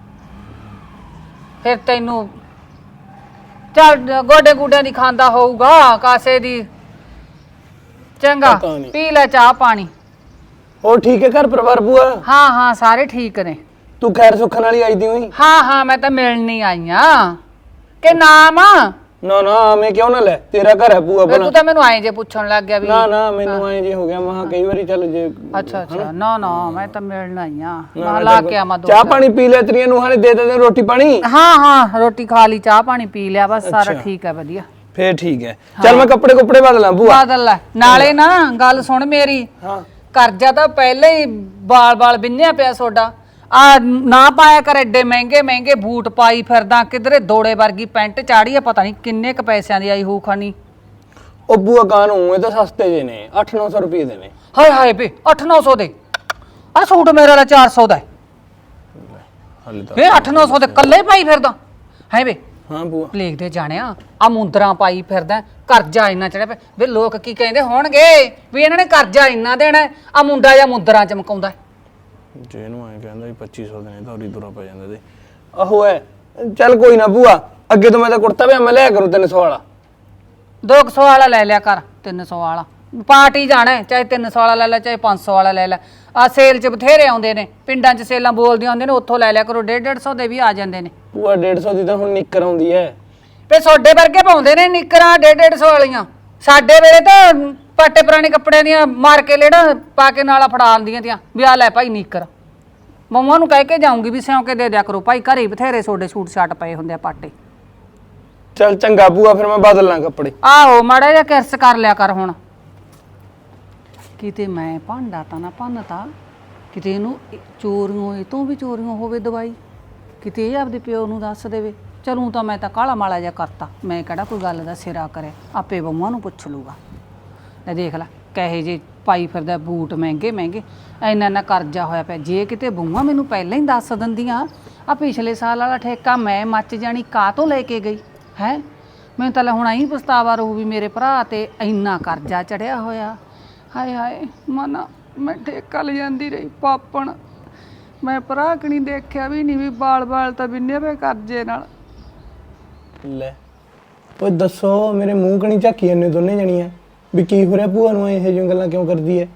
ਫਿਰ ਤੈਨੂੰ ਚੱਲ ਗੋਡੇ ਗੋਡਿਆਂ ਦੀ ਖਾਂਦਾ ਹੋਊਗਾ ਕਾਸੇ ਦੀ। ਚੰਗਾ ਪਤਾ ਨੀ। ਪੀ ਲੈ ਚਾਹ ਪਾਣੀ। ਹੋਰ ਠੀਕ ਹੈ ਘਰ ਪਰਿਵਾਰ ਭੂਆ? ਹਾਂ ਹਾਂ ਸਾਰੇ ਠੀਕ ਨੇ। ਤੂੰ ਖੈਰ ਸੁੱਖਣ ਵਾਲੀ ਆਈ ਦੀ ਹੋਈ? ਹਾਂ ਹਾਂ ਮੈਂ ਤਾਂ ਮਿਲਣ ਨਹੀਂ ਆਈ ਆ। ਕਿ ਨਾਮ ਨਾ ਨਾ ਮੈਂ ਕਿਉਂ ਨਾ ਲੈ, ਤੇਰਾ ਘਰ ਹੈ ਭੂਆ ਫਿਰ ਬਣਾ। ਤੂੰ ਤਾਂ ਮੈਨੂੰ ਆਏ ਜੇ ਪੁੱਛਣ ਲੱਗ ਗਿਆ ਵੀ। ਨਾ ਨਾ ਮੈਨੂੰ ਐਂ ਜੇ ਹੋ ਗਿਆ, ਮਹਾ ਕਈ ਵਾਰੀ ਚੱਲ ਜੇ। ਅੱਛਾ ਅੱਛਾ ਨਾ ਨਾ ਮੈਂ ਤਾਂ ਮਿਲਣ ਆਈ ਆ। ਨਾ, ਮੈਂ ਲਾ ਕੇ ਆਵਾਂ ਦੋ ਚਾਹ ਪਾਣੀ ਪੀ ਲੈ, ਤੇਰੀਆਂ ਨੂੰਹਾਂ ਨੇ ਦੇ ਦੇ ਰੋਟੀ ਪਾਣੀ? ਹਾਂ ਹਾਂ ਰੋਟੀ ਖਾ ਲਈ, ਚਾਹ ਪਾਣੀ ਪੀ ਲਿਆ, ਬਸ ਸਾਰਾ ਠੀਕ ਹੈ ਵਧੀਆ। ਫੇਰ ਠੀਕ ਹੈ। ਚੱਲ ਮੈਂ ਕੱਪੜੇ ਕੁੱਪੜੇ ਬਦਲਾਂ ਭੂਆ। ਬਦਲ ਲੈ। ਨਾਲੇ ਨਾ ਗੱਲ ਸੁਣ ਮੇਰੀ, ਹਾਂ ਕਰਜ਼ਾ ਤਾਂ ਪਹਿਲਾਂ ਹੀ ਬਾਲ ਬਾਲ ਬਿੰਨਿਆ ਪਿਆ ਸੋਡਾ। ਆ ਨਾ ਪਾਇਆ ਕਰ ਐਡੇ ਮਹਿੰਗੇ ਮਹਿੰਗੇ ਬੂਟ ਪਾਈ ਫਿਰਦਾ, ਕਿਧਰੇ ਦੋੜੇ ਵਰਗੀ ਪੈਂਟ ਚਾੜੀ ਆ, ਪਤਾ ਨਹੀਂ ਕਿੰਨੇ ਕ ਪੈਸਿਆਂ ਦੀ ਆਈ ਹੋਊ ਖਾਨੀ। ਉਹ ਭੂਆ ਕਾਨੂੰ, ਇਹ ਤਾਂ ਸਸਤੇ ਜੇ ਨੇ, ਅੱਠ ਨੌ ਸੌ ਰੁਪਏ ਦੇ ਨੇ। ਹਾਏ ਹਾਏ ਬੇ ਅੱਠ ਨੌ ਸੌ ਦੇ? ਆ ਸੂਟ ਮੇਰੇ ਵਾਲਾ ਚਾਰ ਸੌ ਦਾ ਹੈ। ਹਾਲੇ ਤਾਂ ਵੇ ਅੱਠ ਨੌ ਸੌ ਦੇ ਕੱਲੇ ਪਾਈ ਫਿਰਦਾ ਹੈ ਬੇ? ਹਾਂ ਭੂਆ। ਪਲੇਗ ਦੇ ਜਾਣਿਆ ਆ ਮੁੰਦਰਾਂ ਪਾਈ ਫਿਰਦਾ, ਕਰਜ਼ਾ ਇੰਨਾ ਚੜਿਆ ਪਿਆ। ਵੇ ਲੋਕ ਕੀ ਕਹਿੰਦੇ ਹੋਣਗੇ ਵੀ ਇਹਨਾਂ ਨੇ ਕਰਜ਼ਾ ਇੰਨਾ ਦੇਣਾ, ਆ ਮੁੰਡਾ ਜਾਂ ਮੁੰਦਰਾਂ ਚਮਕਾਉਂਦਾ। ਜੇ ਇਹਨੂੰ ਐਂ ਕਹਿੰਦਾ ਵੀ ਪੱਚੀ ਸੌ ਦੇ ਨੇ ਤਾਂ ਉਰੀ ਤੁਰਾ ਪੈ ਜਾਂਦਾ ਤੇ। ਆਹੋ ਹੈ। ਚੱਲ ਕੋਈ ਨਾ ਭੂਆ, ਅੱਗੇ ਤੋਂ ਮੈਂ ਤਾਂ ਕੁੜਤਾ ਵੀ ਮੈਂ ਲਿਆ ਕਰੂ ਤਿੰਨ ਸੌ ਵਾਲਾ। ਦੋ ਕੁ ਸੌ ਵਾਲਾ ਲੈ ਲਿਆ ਕਰ, ਤਿੰਨ ਸੌ ਵਾਲਾ ਪਾਰਟੀ ਜਾਣਾ, ਚਾਹੇ ਤਿੰਨ ਸੌ ਵਾਲਾ ਲੈ ਲੈ ਚਾਹੇ ਪੰਜ ਸੌ ਵਾਲਾ ਲੈ ਲੈ। ਆ ਸੇਲ 'ਚ ਬਥੇਰੇ ਆਉਂਦੇ ਨੇ, ਪਿੰਡਾਂ 'ਚ ਸੇਲਾਂ ਬੋਲਦੀਆਂ ਹੁੰਦੀਆਂ ਨੇ, ਉੱਥੋਂ ਲੈ ਲਿਆ ਕਰੋ। ਡੇਢ ਡੇਢ ਸੌ ਦੇ ਵੀ ਆ ਜਾਂਦੇ ਨੇ। ਭੂਆ ਡੇਢ ਸੌ ਦੀ ਤਾਂ ਹੁਣ ਨਿੱਕਰ ਆਉਂਦੀ ਹੈ। ਤੇ ਸੋਡੇ ਵਰਗੇ ਪਾਉਂਦੇ ਨੇ ਨਿੱਕਰਾਂ ਡੇਢ ਡੇਢ ਸੌ ਵਾਲੀਆਂ। ਸਾਡੇ ਵੇਲੇ ਤਾਂ ਪਾਟੇ ਪੁਰਾਣੇ ਕੱਪੜਿਆਂ ਦੀਆਂ ਮਾਰ ਕੇ ਲੇੜਾ ਪਾ ਕੇ ਨਾਲਾ ਫੜਾ ਆਉਂਦੀਆਂ ਤੀਆਂ ਵੀ ਆ ਲੈ ਭਾਈ ਨਿੱਕਰ। ਮੰਮਾ ਨੂੰ ਕਹਿ ਕੇ ਜਾਊਂਗੀ ਵੀ ਸਿਉਂ ਕੇ ਦੇ ਦਿਆ ਕਰੋ ਭਾਈ, ਘਰੇ ਬਥੇਰੇ ਸੋਡੇ ਸੂਟ ਸ਼ਾਟ ਪਏ ਹੁੰਦੇ ਆ ਪਾਟੇ। ਚੱਲ ਚੰਗਾ ਭੂਆ, ਫਿਰ ਮੈਂ ਬਦਲ ਲਾਂ ਕੱਪੜੇ। ਆਹੋ ਮਾੜਾ ਜਿਹਾ ਕਿਰਸ ਕਰ ਲਿਆ ਕਰ ਹੁਣ। ਕਿਤੇ ਮੈਂ ਭਾਂਡਾ ਤਾਂ ਨਾ ਭੰਨਤਾ, ਕਿਤੇ ਇਹਨੂੰ ਚੋਰੀਆਂ ਇਹ ਤੋਂ ਵੀ ਚੋਰੀਆਂ ਹੋਵੇ ਦਵਾਈ, ਕਿਤੇ ਇਹ ਆਪਦੇ ਪਿਓ ਨੂੰ ਦੱਸ ਦੇਵੇ। ਚਲੂੰ ਤਾਂ ਮੈਂ ਤਾਂ ਕਾਲਾ ਮਾਲਾ ਜਿਹਾ ਕਰਤਾ, ਮੈਂ ਕਿਹੜਾ ਕੋਈ ਗੱਲ ਦਾ ਸਿਰਾ ਕਰੇ, ਆਪੇ ਬੰਮਾਂ ਨੂੰ ਪੁੱਛ ਲੂਗਾ। ਲੈ ਦੇਖ ਲੈ ਕਹੇ ਜੇ ਪਾਈ ਫਿਰਦਾ ਬੂਟ ਮਹਿੰਗੇ ਮਹਿੰਗੇ, ਇੰਨਾ ਇੰਨਾ ਕਰਜ਼ਾ ਹੋਇਆ ਪਿਆ। ਜੇ ਕਿਤੇ ਬੰਮਾਂ ਮੈਨੂੰ ਪਹਿਲਾਂ ਹੀ ਦੱਸ ਦਿੰਦੀਆਂ ਆ ਪਿਛਲੇ ਸਾਲ ਵਾਲਾ ਠੇਕਾ ਮੈਂ ਮੱਚ ਜਾਣੀ ਕਾਹ ਤੋਂ ਲੈ ਕੇ ਗਈ ਹੈ। ਮੈਨੂੰ ਤਾਂ ਲੈ ਹੁਣ ਆਈ ਪਛਤਾਵਾ ਰਹੂ ਵੀ ਮੇਰੇ ਭਰਾ ਤੇ ਇੰਨਾ ਕਰਜ਼ਾ ਚੜਿਆ ਹੋਇਆ। ਹਾਏ ਹਾਏ ਮਨਾ ਮੈਂ ਠੇਕਾ ਲੈ ਜਾਂਦੀ ਰਹੀ ਪਾਪਣ, ਮੈਂ ਭਰਾ ਕਣੀ ਦੇਖਿਆ ਵੀ ਨਹੀਂ ਵੀ ਬਾਲ ਬਾਲ ਤਾਂ ਬਿੰਨੇ ਪਏ ਕਰਜ਼ੇ ਨਾਲ। ਲੈ ਓਏ ਦੱਸੋ, ਮੇਰੇ ਮੂੰਹ ਕਣੀ ਝਾਕੀ ਜਾਂਦੇ ਦੋਨੇ ਜਣੀਆਂ ਵੀ ਕੀ ਹੋ ਰਿਹਾ? ਭੂਆ ਨੂੰ ਇਹੋ ਜਿਹੀਆਂ ਗੱਲਾਂ ਕਿਉਂ ਕਰਦੀ ਹੈ?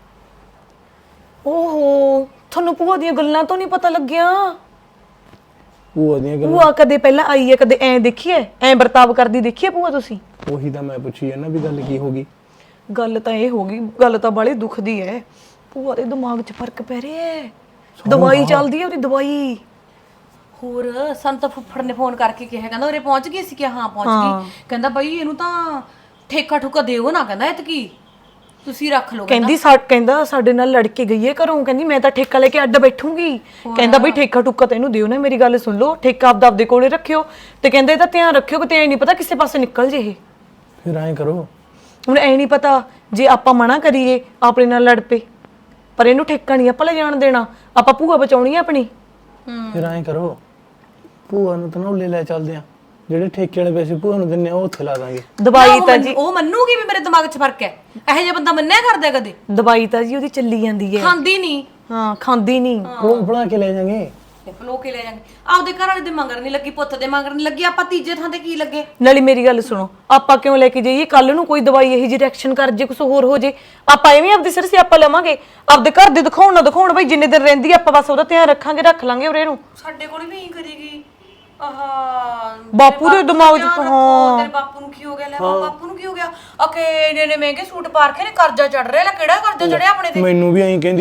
ਓਹੋ, ਤੁਹਾਨੂੰ ਭੂਆ ਦੀਆਂ ਗੱਲਾਂ ਤੋਂ ਨਹੀਂ ਪਤਾ ਲੱਗਿਆ? ਭੂਆ ਦੀਆਂ ਗੱਲਾਂ ਭੂਆ ਕਦੇ ਪਹਿਲਾਂ ਆਈ ਹੈ, ਕਦੇ ਐ ਦੇਖੀਏ, ਐ ਵਰਤਾਵ ਕਰਦੀ ਦੇਖੀਏ ਭੂਆ ਤੁਸੀਂ? ਉਹੀ ਤਾਂ ਮੈਂ ਪੁੱਛੀ ਹੈ ਨਾ ਵੀ ਗੱਲ ਕੀ ਹੋ ਗਈ। ਗੱਲ ਤਾਂ ਇਹ ਹੋ ਗਈ, ਗੱਲ ਤਾਂ ਬਾਲੀ ਦੁੱਖ ਦੀ ਹੈ। ਭੂਆ ਦੇ ਦਿਮਾਗ 'ਚ ਫਰਕ ਪੈ ਰਿਹਾ ਹੈ, ਦਵਾਈ ਚੱਲਦੀ ਹੈ ਉਹਦੀ ਦਵਾਈ। ਹੋਰ ਸਾਨੂੰ ਤਾਂ ਫੁੱਫੜ ਨੇ ਫੋਨ ਕਰਕੇ ਕਿਹਾ, ਕਹਿੰਦਾ ਉਰੇ ਪਹੁੰਚ ਗਈ ਸੀ ਕਿ ਹਾਂ ਪਹੁੰਚ ਗਈ। ਕਹਿੰਦਾ ਬਈ ਇਹਨੂੰ ਤਾਂ ਠੇਕਾ ਠੁਕਾ ਦਿਓ ਨਾ, ਕਹਿੰਦਾ ਇਤਕੀ ਤੁਸੀਂ ਰੱਖ ਲਓ। ਕਹਿੰਦੀ ਸਾ ਕਹਿੰਦਾ ਸਾਡੇ ਨਾਲ ਲੜ ਕੇ ਗਈ ਹੈ ਘਰੋਂ, ਕਹਿੰਦੀ ਮੈਂ ਤਾਂ ਠੇਕਾ ਲੈ ਕੇ ਅੱਡ ਬੈਠੂੰਗੀ। ਕਹਿੰਦਾ ਬਈ ਠੇਕਾ ਠੁਕਾ ਤਾਂ ਇਹਨੂੰ ਦਿਓ ਨਾ, ਮੇਰੀ ਗੱਲ ਸੁਣ ਲਓ, ਠੇਕਾ ਆਪਦਾ ਆਪਦੇ ਕੋਲੇ ਰੱਖਿਓ ਤੇ ਕਹਿੰਦਾ ਇਹਦਾ ਧਿਆਨ ਰੱਖਿਓ ਕਿਤੇ ਐ ਨਹੀਂ ਪਤਾ ਕਿਸੇ ਪਾਸੇ ਨਿਕਲ ਜੇ ਇਹ। ਫਿਰ ਐਂ ਕਰੋ, ਹੁਣ ਐ ਨਹੀਂ ਪਤਾ ਜੇ ਆਪਾਂ ਮਨਾ ਕਰੀਏ ਆਪਣੇ ਨਾਲ ਲੜ ਪਏ, ਪਰ ਇਹਨੂੰ ਠੇਕਾ ਨਹੀਂ ਆਪਾਂ ਲੈ ਜਾਣ ਦੇਣਾ, ਆਪਾਂ ਭੂਆ ਬਚਾਉਣੀ ਆ ਆਪਣੀ। ਫਿਰ ਐਂ ਕਰੋ, ਭੂਆ ਨੂੰ ਤਾਂ ਨੌਲੇ ਲੈ ਚੱਲਦੇ ਆ, ਜਿਹੜੇ ਠੇਕੇ ਵਾਲੇ ਪੈਸੇ ਭੂਆ ਨੂੰ ਦਿੰਨੇ ਆ ਉਹ ਉੱਥੇ ਲਾ ਦਾਂਗੇ। ਦਵਾਈ ਤਾਂ ਜੀ ਉਹ ਮੰਨੂਗੀ ਵੀ ਮੇਰੇ ਦਿਮਾਗ 'ਚ ਫਰਕ ਹੈ, ਇਹੋ ਜਿਹਾ ਬੰਦਾ ਮੰਨਿਆ ਕਰਦਾ ਕਦੇ? ਦਵਾਈ ਤਾਂ ਜੀ ਉਹਦੀ ਚੱਲੀ ਜਾਂਦੀ ਹੈ, ਖਾਂਦੀ ਨਹੀਂ। ਹਾਂ ਖਾਂਦੀ ਨਹੀਂ। ਉਹ ਬਣਾ ਕੇ ਲੈ ਜਾਾਂਗੇ, ਤੇ ਫਲੋ ਕੇ ਲੈ ਜਾਂਗੇ। ਆਪਦੇ ਘਰ ਵਾਲੇ ਦੇ ਮੰਗਰ ਨਹੀਂ ਲੱਗੀ, ਪੁੱਤ ਦੇ ਮੰਗਰ ਨਹੀਂ ਲੱਗੀ, ਆਪਾਂ ਤੀਜੇ ਥਾਂ ਤੇ ਕੀ ਲੱਗੇ? ਨਾਲੇ ਮੇਰੀ ਗੱਲ ਸੁਣੋ, ਆਪਾਂ ਕਿਉਂ ਲੈ ਕੇ ਜਾਈਏ? ਕੱਲ ਨੂੰ ਕੋਈ ਦਵਾਈ ਇਹੀ ਜਿਹੀ ਰਿਐਕਸ਼ਨ ਕਰ ਜੇ, ਕੁਝ ਹੋਰ ਹੋ ਜੇ, ਆਪਾਂ ਐਵੇਂ ਆਪਦੇ ਸਿਰ ਸੇ ਆਪਾਂ ਲਵਾਂਗੇ? ਆਪਦੇ ਘਰ ਦੇ ਦਿਖਾਉਣ ਨਾ ਦਿਖਾਉਣ ਬਈ, ਜਿੰਨੇ ਦਿਨ ਰਹਿੰਦੀ ਆਪਾਂ ਬਸ ਉਹਦਾ ਧਿਆਨ ਰੱਖਾਂਗੇ, ਰੱਖ ਲਾਂਗੇ ਉਰੇ ਨੂੰ। ਸਾਡੇ ਕੋਲ ਵੀ ਇਹੀ ਕਰੇਗੀ। ਆਹਾ ਬਾਪੂ ਦੇ ਦਿਮਾਗ 'ਚ ਤਾਂ ਹਾਂ। ਤੇਰੇ ਬਾਪੂ ਨੂੰ ਕੀ ਹੋ ਗਿਆ? ਲੈ ਬਾਪੂ ਨੂੰ ਕੀ ਹੋ ਗਿਆ? ਓਕੇ ਇਹਨੇ ਨੇ ਮਹਿੰਗੇ ਸੂਟ ਪਾ ਕੇ ਨੇ ਕਰਜ਼ਾ ਚੜ ਰਿਹਾ, ਲੈ ਕਿਹੜਾ ਕਰਜ਼ਾ ਚੜਿਆ ਆਪਣੇ ਤੇ? ਮੈਨੂੰ ਵੀ ਐਂ ਕਹਿੰਦੀ ਸੀ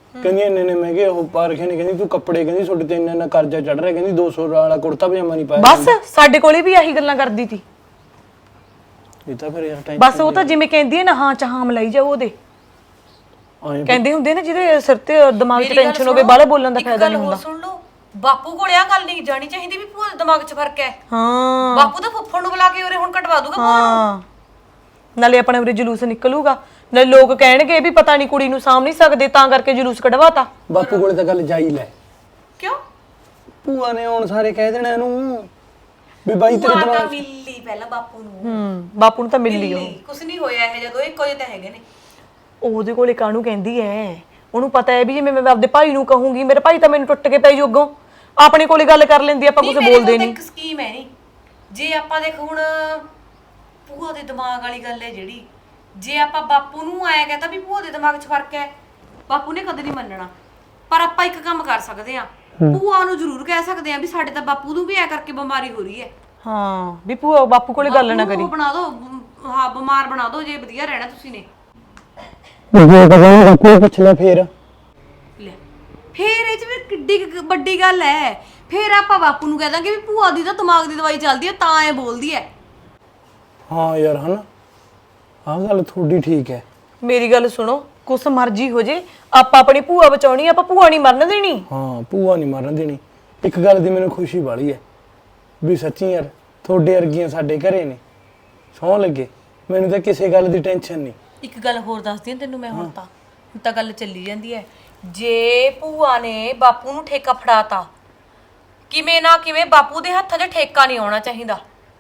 ਕਹਿੰਦੀ ਇੰਨੇ ਨੇ ਮਹਿੰਗੇ ਉਹ ਪਾ ਰੱਖੇ ਨੇ, ਕਹਿੰਦੀ ਤੂੰ ਕੱਪੜੇ, ਕਹਿੰਦੀ ਤੁਹਾਡੇ ਤੇ ਇੰਨਾ ਇੰਨਾ ਕਰਜ਼ਾ ਚੜ ਰਿਹਾ, ਕਹਿੰਦੀ ਦੋ ਸੌ ਵਾਲਾ ਕੁੜਤਾ ਪਜਾਮਾ ਨਹੀਂ ਪਾਇਆ। ਬਸ ਸਾਡੇ ਕੋਲੇ ਵੀ ਆਹੀ ਗੱਲਾਂ ਕਰਦੀ ਸੀ। ਇਹ ਤਾਂ ਫਿਰ ਯਾਰ ਟਾਈਮ ਬਸ ਉਹ ਤਾਂ ਜਿਵੇਂ ਕਹਿੰਦੀ ਹੈ ਨਾ, ਹਾਂ ਚਾਹਾਂ ਮਲਾਈ ਜਾਓ ਉਹਦੇ। ਆਏ ਕਹਿੰਦੇ ਹੁੰਦੇ ਨੇ ਜਿਹਦੇ ਸਿਰ ਤੇ ਦਿਮਾਗ 'ਚ ਟੈਨਸ਼ਨ ਹੋਵੇ, ਬਾਹਲਾ ਬੋਲਣ ਦਾ ਫਾਇਦਾ ਨਹੀਂ ਹੁੰਦਾ। ਸੁਣ ਲਓ, ਬਾਪੂ ਕੋਲ ਆ ਗੱਲ ਨਹੀਂ ਜਾਣੀ ਚਾਹੀਦੀ ਵੀ ਭੂਆ ਦੇ ਦਿਮਾਗ 'ਚ ਫਰਕ ਹੈ। ਹਾਂ ਬਾਪੂ ਤਾਂ ਫੁੱਫੜ ਨੂੰ ਬੁਲਾ ਕੇ ਉਰੇ ਹੁਣ ਕਟਵਾ ਦੂਗਾ ਭੂਆ ਨੂੰ। ਹਾਂ, ਨਾਲੇ ਆਪਣੇ ਉਰੇ ਜਲੂਸ ਨਿਕਲੂਗਾ, ਨਾਲੇ ਲੋਕ ਕਹਿਣਗੇ ਵੀ ਪਤਾ ਨਹੀਂ ਕੁੜੀ ਨੂੰ ਸਾਂਭ ਨਹੀਂ ਸਕਦੇ ਤਾਂ ਕਰਕੇ ਜਲੂਸ ਕਢਵਾਤਾ। ਬਾਪੂ ਕੋਲੇ ਤਾਂ ਗੱਲ ਜਾਈ ਲੈ, ਕਿਉਂ? ਭੂਆ ਨੇ ਹੁਣ ਸਾਰੇ ਕਹਿ ਦੇਣਾ ਇਹਨੂੰ ਵੀ ਬਾਈ ਤੇਰੇ ਭੂਆ ਤਾਂ ਦਿਮਾਗ ਮਿਲੀ ਪਹਿਲਾਂ ਬਾਪੂ ਨੂੰ। ਹੂੰ, ਬਾਪੂ ਨੂੰ ਤਾਂ ਮਿਲ ਲਈ ਉਹ। ਮਿਲੀ, ਕੁਛ ਨਹੀਂ ਹੋਇਆ ਇਹ, ਜਦੋਂ ਇੱਕੋ ਜਿਹੇ ਤਾਂ ਹੈਗੇ ਨੇ। ਉਹਦੇ ਕੋਲੇ ਕਾਹਨੂੰ ਕਹਿੰਦੀ ਐ, ਉਹਨੂੰ ਪਤਾ ਹੈ ਵੀ ਜਿਵੇਂ ਮੈਂ ਆਪਦੇ ਭਾਈ ਨੂੰ ਕਹੂੰਗੀ, ਮੇਰੇ ਭਾਈ ਤਾਂ ਮੈਨੂੰ ਟੁੱਟ ਕੇ ਪੈ ਜੋਗੋਂ। ਆਪਣੇ ਕੋਲੇ ਗੱਲ ਕਰ ਲੈਂਦੀ, ਆਪਾਂ ਕੁਝ ਬੋਲਦੇ ਨਹੀਂ। ਇੱਕ ਸਕੀਮ ਹੈ ਨਹੀਂ, ਜੇ ਆਪਾਂ ਦੇਖ ਹੁਣ ਭੂਆ ਦੇ ਦਿਮਾਗ ਵਾਲੀ ਗੱਲ ਹੈ ਜਿਹੜੀ, ਜੇ ਆਪਾਂ ਬਾਪੂ ਨੂੰ ਆਇਆ ਕਹਤਾ ਵੀ ਭੂਆ ਦੇ ਦਿਮਾਗ 'ਚ ਫਰਕ ਹੈ, ਬਾਪੂ ਨੇ ਕਦੇ ਨਹੀਂ ਮੰਨਣਾ। ਪਰ ਆਪਾਂ ਇੱਕ ਕੰਮ ਕਰ ਸਕਦੇ ਆ, ਭੂਆ ਨੂੰ ਜ਼ਰੂਰ ਕਹਿ ਸਕਦੇ ਆ ਵੀ ਸਾਡੇ ਤਾਂ ਬਾਪੂ ਨੂੰ ਵੀ ਐ ਕਰਕੇ ਬਿਮਾਰੀ ਹੋ ਰਹੀ ਹੈ। ਹਾਂ, ਵੀ ਭੂਆ ਬਾਪੂ ਕੋਲੇ ਗੱਲ ਨਾ ਕਰੀ। ਉਹ ਬਣਾ ਦਿਓ, ਬ- ਹਾਂ ਬਿਮਾਰ ਬਣਾ ਦਿਓ, ਜੇ ਵਧੀਆ ਰਹਿਣਾ ਤੁਸੀਂ ਨੇ। ਜੇ ਕਹਾਂ ਬਾਪੂ ਪੁੱਛ ਲੈ ਫੇਰ। ਲੈ ਫੇਰ ਇਹ 'ਚ ਵੀ ਕਿੱਡੀ ਕੁ ਵੱਡੀ ਗੱਲ ਹੈ। ਫੇਰ ਆਪਾਂ ਬਾਪੂ ਨੂੰ ਕਹਿ ਦਾਂਗੇ ਵੀ ਭੂਆ ਦੀ ਤਾਂ ਦਿਮਾਗ ਦੀ ਦਵਾਈ ਚੱਲਦੀ ਹੈ ਤਾਂ ਐ ਬੋਲਦੀ ਹੈ। ਹਾਂ ਯਾਰ ਹਨਾ, ਆਹ ਗੱਲ ਤੁਹਾਡੀ ਠੀਕ ਹੈ। ਮੇਰੀ ਗੱਲ ਸੁਣੋ, ਕੁਛ ਮਰਜ਼ੀ ਹੋ ਜੇ, ਆਪਾਂ ਆਪਣੀ ਭੂਆ ਬਚਾਉਣੀ, ਆਪਾਂ ਭੂਆ ਨਹੀਂ ਮਰਨ ਦੇਣੀ। ਹਾਂ ਭੂਆ ਨਹੀਂ ਮਰਨ ਦੇਣੀ। ਇੱਕ ਗੱਲ ਦੀ ਮੈਨੂੰ ਖੁਸ਼ੀ ਬਾਲੀ ਹੈ ਵੀ ਸੱਚੀ ਯਾਰ ਤੁਹਾਡੇ ਵਰਗੀਆਂ ਸਾਡੇ ਘਰੇ ਨੇ, ਸਹੁੰ ਲੱਗੇ, ਮੈਨੂੰ ਤਾਂ ਕਿਸੇ ਗੱਲ ਦੀ ਟੈਨਸ਼ਨ ਨਹੀਂ। ਇੱਕ ਗੱਲ ਹੋਰ ਦੱਸਦੀ ਹਾਂ ਤੈਨੂੰ ਮੈਂ, ਹੁਣ ਤਾਂ ਹੁਣ ਤਾਂ ਗੱਲ ਚੱਲੀ ਜਾਂਦੀ ਹੈ। ਜੇ ਭੂਆ ਨੇ ਬਾਪੂ ਨੂੰ ਠੇਕਾ ਫੜਾਤਾ, ਕਿਵੇਂ ਨਾ ਕਿਵੇਂ ਬਾਪੂ ਦੇ ਹੱਥਾਂ 'ਚ ਠੇਕਾ ਨਹੀਂ ਆਉਣਾ ਚਾਹੀਦਾ,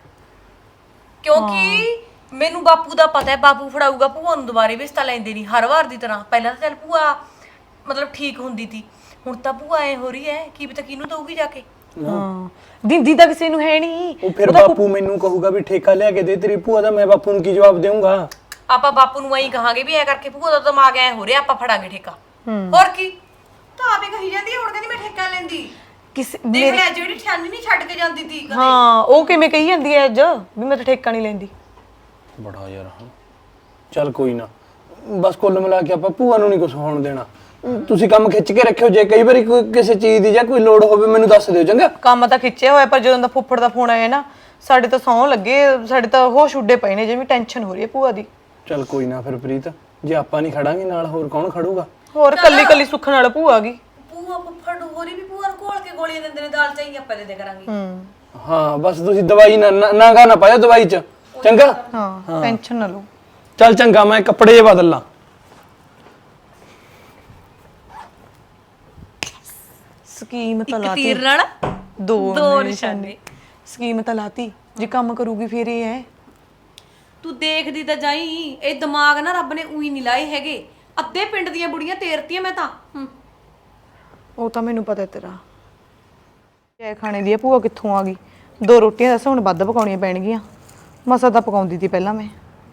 ਕਿਉਂਕਿ ਮੈਨੂੰ ਬਾਪੂ ਦਾ ਪਤਾ ਹੈ ਬਾਪੂ ਫੜਾਊਗਾ ਭੂਆ ਨੂੰ, ਦੁਬਾਰੇ ਵੀ ਤਾਂ ਲੈਂਦੇ ਨਹੀਂ ਹਰ ਵਾਰ ਦੀ ਤਰ੍ਹਾਂ। ਪਹਿਲਾਂ ਤਾਂ ਚੱਲ ਭੂਆ ਮਤਲਬ ਠੀਕ ਹੁੰਦੀ ਸੀ, ਹੁਣ ਤਾਂ ਭੂਆ ਐ ਹੋ ਰਹੀ ਹੈ ਕੀ ਪਤਾ ਕਿਹਨੂੰ ਦਊਗੀ ਜਾ ਕੇ। ਹਾਂ, ਦਿੰਦੀ ਤਾਂ ਕਿਸੇ ਨੂੰ ਹੈ ਨਹੀਂ। ਉਹ ਫਿਰ ਬਾਪੂ ਮੈਨੂੰ ਕਹੂਗਾ ਵੀ ਠੇਕਾ ਲਿਆ ਕੇ ਦੇ ਤੇਰੀ ਭੂਆ ਦਾ, ਮੈਂ ਬਾਪੂ ਨੂੰ ਕੀ ਜਵਾਬ ਦੇਵਾਂਗਾ? ਆਪਾਂ ਬਾਪੂ ਨੂੰ ਐਂ ਕਹਾਂਗੇ ਵੀ ਐ ਕਰਕੇ ਭੂਆ ਦਾ ਦਿਮਾਗ ਐ ਹੋ ਰਿਹਾ, ਆਪਾਂ ਫੜਾਂਗੇ ਠੇਕਾ। ਹੋਰ ਕੀ, ਤਾਂ ਆਪੇ ਕਹੀ ਜਾਂਦੀ ਹੈ ਹੁਣ, ਕਹਿੰਦੀ ਮੈਂ ਠੇਕਾ ਲੈਂਦੀ। ਕਿਸੇ ਦੇਖ ਲੈ ਜਿਹੜੀ ਠਾਨੀ ਨਹੀਂ ਛੱਡ ਕੇ ਜਾਂਦੀ ਸੀ ਕਦੇ। ਹਾਂ, ਉਹ ਕਿਵੇਂ ਕਹੀ ਜਾਂਦੀ ਐ ਅੱਜ ਵੀ ਮੈਂ ਤਾਂ ਠੇਕਾ ਨਹੀਂ ਲੈਂਦੀ। ਬੜਾ ਯਾਰ ਹਾਂ। ਚੱਲ ਕੋਈ ਨਾ, ਬਸ ਕੁੱਲ ਮਿਲਾ ਕੇ ਆਪਾਂ ਭੂਆ ਨੂੰ ਨਹੀਂ ਕੁਝ ਹੋਣ ਦੇਣਾ। ਤੁਸੀਂ ਕੰਮ ਖਿੱਚ ਕੇ ਰੱਖਿਓ, ਜੇ ਕਈ ਵਾਰੀ ਕੋਈ ਕਿਸੇ ਚੀਜ਼ ਦੀ ਜਾਂ ਕੋਈ ਲੋੜ ਹੋਵੇ ਮੈਨੂੰ ਦੱਸ ਦਿਓ, ਚੰਗਾ? ਕੰਮ ਤਾਂ ਖਿੱਚਿਆ ਹੋਇਆ, ਪਰ ਜਦੋਂ ਦਾ ਫੁੱਫੜ ਦਾ ਫੋਨ ਆਇਆ ਨਾ, ਸਾਡੇ ਤਾਂ ਸੌਂ ਲੱਗੇ, ਸਾਡੇ ਤਾਂ ਹੋਸ਼ ਉੱਡੇ ਪਏ ਨੇ, ਜਿਵੇਂ ਟੈਨਸ਼ਨ ਹੋ ਰਹੀ ਹੈ ਭੂਆ ਦੀ। ਚੱਲ ਕੋਈ ਨਾ ਫਿਰ ਪ੍ਰੀਤ, ਜੇ ਆਪਾਂ ਨਹੀਂ ਖੜਾਂਗੇ ਨਾਲ ਹੋਰ ਕੌਣ ਖੜੂਗਾ? ਹੋਰ ਕੱਲੀ ਕੱਲੀ ਸੁੱਖ ਨਾਲ ਭੂਆ ਆ ਗਈ। ਭੂਆ ਫੁੱਫੜ ਹੋਰੀ ਵੀ ਭੂਆ ਨੂੰ ਘੋਲ ਕੇ ਗੋਲੀਆਂ ਦਿੰਦੇ ਨੇ, ਦਾਲ ਚਾਹੀ ਆਪਾਂ ਦੇ ਦੇ ਕਰਾਂਗੇ। ਹਾਂ ਬਸ ਤੁਸੀਂ ਦਵਾਈ ਨਾ ਨਾ ਗਾ ਨਾ ਪਾਇਓ ਦਵਾਈ 'ਚ, ਚੰਗਾ? ਹਾਂ, ਟੈਨਸ਼ਨ ਨਾ ਲਓ। ਚੱਲ ਚੰਗਾ, ਮੈਂ ਕੱਪੜੇ ਜੇ ਬਦਲ ਲਾਂ। ਸਕੀਮ ਤਾਂ ਇੱਕ ਲਾਤੀ, ਤੀਰ ਨਾਲ ਦੋ ਦੋ ਨਿਸ਼ਾਨੇ। ਨਿਸ਼ਾਨੇ। ਸਕੀਮ ਤਾਂ ਲਾਤੀ, ਜੇ ਕੰਮ ਕਰੂਗੀ ਫਿਰ ਇਹ ਹੈ। ਤੂੰ ਦੇਖਦੀ ਤਾਂ ਜਾਈ, ਇਹ ਦਿਮਾਗ ਨਾ ਰੱਬ ਨੇ ਉਹੀ ਨਹੀਂ ਲਾਏ ਹੈਗੇ। ਅੱਧੇ ਪਿੰਡ ਦੀਆਂ ਬੁੜੀਆਂ ਤੇਰਤੀਆਂ ਮੈਂ ਤਾਂ। ਹੂੰ, ਉਹ ਤਾਂ ਮੈਨੂੰ ਪਤਾ ਤੇਰਾ ਐ ਖਾਣੇ ਦੀ ਆ। ਭੂਆ ਕਿੱਥੋਂ ਆ ਗਈ? ਦੋ ਰੋਟੀਆਂ ਦੱਸ ਹੁਣ ਵੱਧ ਪਕਾਉਣੀਆਂ ਪੈਣਗੀਆਂ, ਮਸਾ ਤਾਂ ਪਕਾਉਂਦੀ ਸੀ ਪਹਿਲਾਂ ਮੈਂ।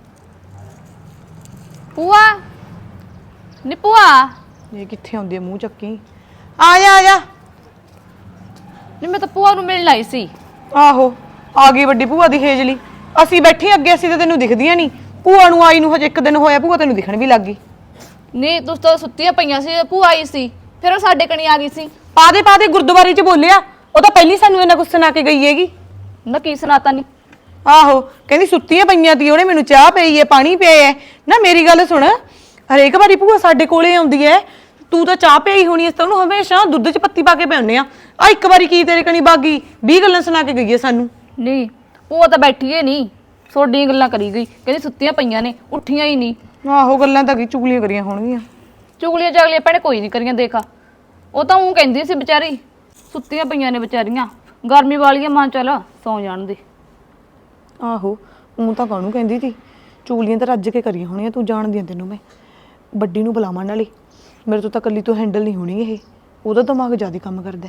ਭੂਆ ਨੀ ਭੂਆ, ਇਹ ਕਿੱਥੇ ਆਉਂਦੀ ਆ ਮੂੰਹ ਚੱਕੀ? ਆ ਜਾ ਆ ਜਾ। ਨੀ ਮੈਂ ਤਾਂ ਭੂਆ ਨੂੰ ਮਿਲਣ ਆਈ ਸੀ। ਆਹੋ, ਆ ਗਈ ਵੱਡੀ ਭੂਆ ਦੀ ਹੇਜਲੀ। ਅਸੀਂ ਬੈਠੇ ਅੱਗੇ, ਅਸੀਂ ਤਾਂ ਤੈਨੂੰ ਦਿਖਦੀਆਂ ਨਹੀਂ। ਭੂਆ ਨੂੰ ਆਈ ਨੂੰ ਹਜੇ ਇੱਕ ਦਿਨ ਹੋਇਆ, ਭੂਆ ਤੈਨੂੰ ਦਿਖਣ ਵੀ ਲੱਗ ਗਈ। ਨੀ ਤੁਸੀਂ ਤਾਂ ਸੁੱਤੀਆਂ ਪਈਆਂ ਸੀ, ਭੂਆ ਆਈ ਸੀ, ਫਿਰ ਉਹ ਸਾਡੇ ਕਣੀ ਆ ਗਈ ਸੀ। ਪਾ ਦੇ ਪਾ ਦੇ, ਗੁਰਦੁਆਰੇ 'ਚ ਬੋਲਿਆ। ਉਹ ਤਾਂ ਪਹਿਲੀ ਸਾਨੂੰ ਇਹਨਾਂ ਕੁਛ ਸੁਣਾ ਕੇ ਗਈ ਹੈਗੀ। ਨਾ ਕੀ ਸੁਣਾਤਾ ਨੀ? ਆਹੋ, ਕਹਿੰਦੀ ਸੁੱਤੀਆਂ ਪਈਆਂ ਤੀ, ਉਹਨੇ ਮੈਨੂੰ ਚਾਹ ਪਈ ਹੈ, ਪਾਣੀ ਪਿਆ ਹੈ। ਨਾ ਮੇਰੀ ਗੱਲ ਸੁਣ, ਹਰੇਕ ਵਾਰੀ ਭੂਆ ਸਾਡੇ ਕੋਲੇ ਆਉਂਦੀ ਹੈ, ਤੂੰ ਤਾਂ ਚਾਹ ਪਿਆਈ ਹੋਣੀ, ਇਸ ਤਾਂ ਉਹਨੂੰ ਹਮੇਸ਼ਾ ਦੁੱਧ 'ਚ ਪੱਤੀ ਪਾ ਕੇ ਪਿਆਉਂਦੇ ਆ। ਆ ਇੱਕ ਵਾਰੀ ਕੀ ਤੇਰੇ ਕਣੀ ਬਾਗੀ ਵੀਹ ਗੱਲਾਂ ਸੁਣਾ ਕੇ ਗਈ ਹੈ ਸਾਨੂੰ। ਨੀ ਭੂਆ ਤਾਂ ਬੈਠੀ ਏ ਨਹੀਂ, ਤੁਹਾਡੀਆਂ ਗੱਲਾਂ ਕਰੀ ਗਈ, ਕਹਿੰਦੀ ਸੁੱਤੀਆਂ ਪਈਆਂ ਨੇ, ਉੱਠੀਆਂ ਹੀ ਨਹੀਂ। ਆਹੋ, ਗੱਲਾਂ ਤਾਂ ਕੀ ਚੁਗਲੀਆਂ ਕਰੀਆਂ ਹੋਣਗੀਆਂ। ਚੁਗਲੀਆਂ ਚਾਗਲੀਆਂ ਭੈਣੇ ਕੋਈ ਨਹੀਂ ਕਰੀਆਂ, ਦੇਖਾ ਉਹ ਤਾਂ ਉਹ ਕਹਿੰਦੀ ਸੀ ਵਿਚਾਰੀ ਸੁੱਤੀਆਂ ਪਈਆਂ ਨੇ ਵਿਚਾਰੀਆਂ, ਗਰਮੀ ਵਾਲੀਆਂ, ਮਾਂ ਚੱਲ ਸੌਂ ਜਾਣ ਦੇ। ਆਹੋ, ਉਹ ਤਾਂ ਕਾਹਨੂੰ ਕਹਿੰਦੀ ਸੀ, ਚੁਗਲੀਆਂ ਤਾਂ ਰੱਜ ਕੇ ਕਰੀਆਂ ਹੋਣੀਆਂ। ਤੂੰ ਜਾਣਦੀ ਆ, ਤੈਨੂੰ ਮੈਂ ਵੱਡੀ ਨੂੰ ਬੁਲਾਵਾਂ ਨਾਲੇ, ਮੇਰੇ ਤੋਂ ਤਾਂ ਕੱਲੀ ਤੋਂ ਹੈਂਡਲ ਨਹੀਂ ਹੋਣੀ ਇਹ, ਉਹਦਾ ਦਿਮਾਗ ਜ਼ਿਆਦਾ ਕੰਮ ਕਰਦਾ।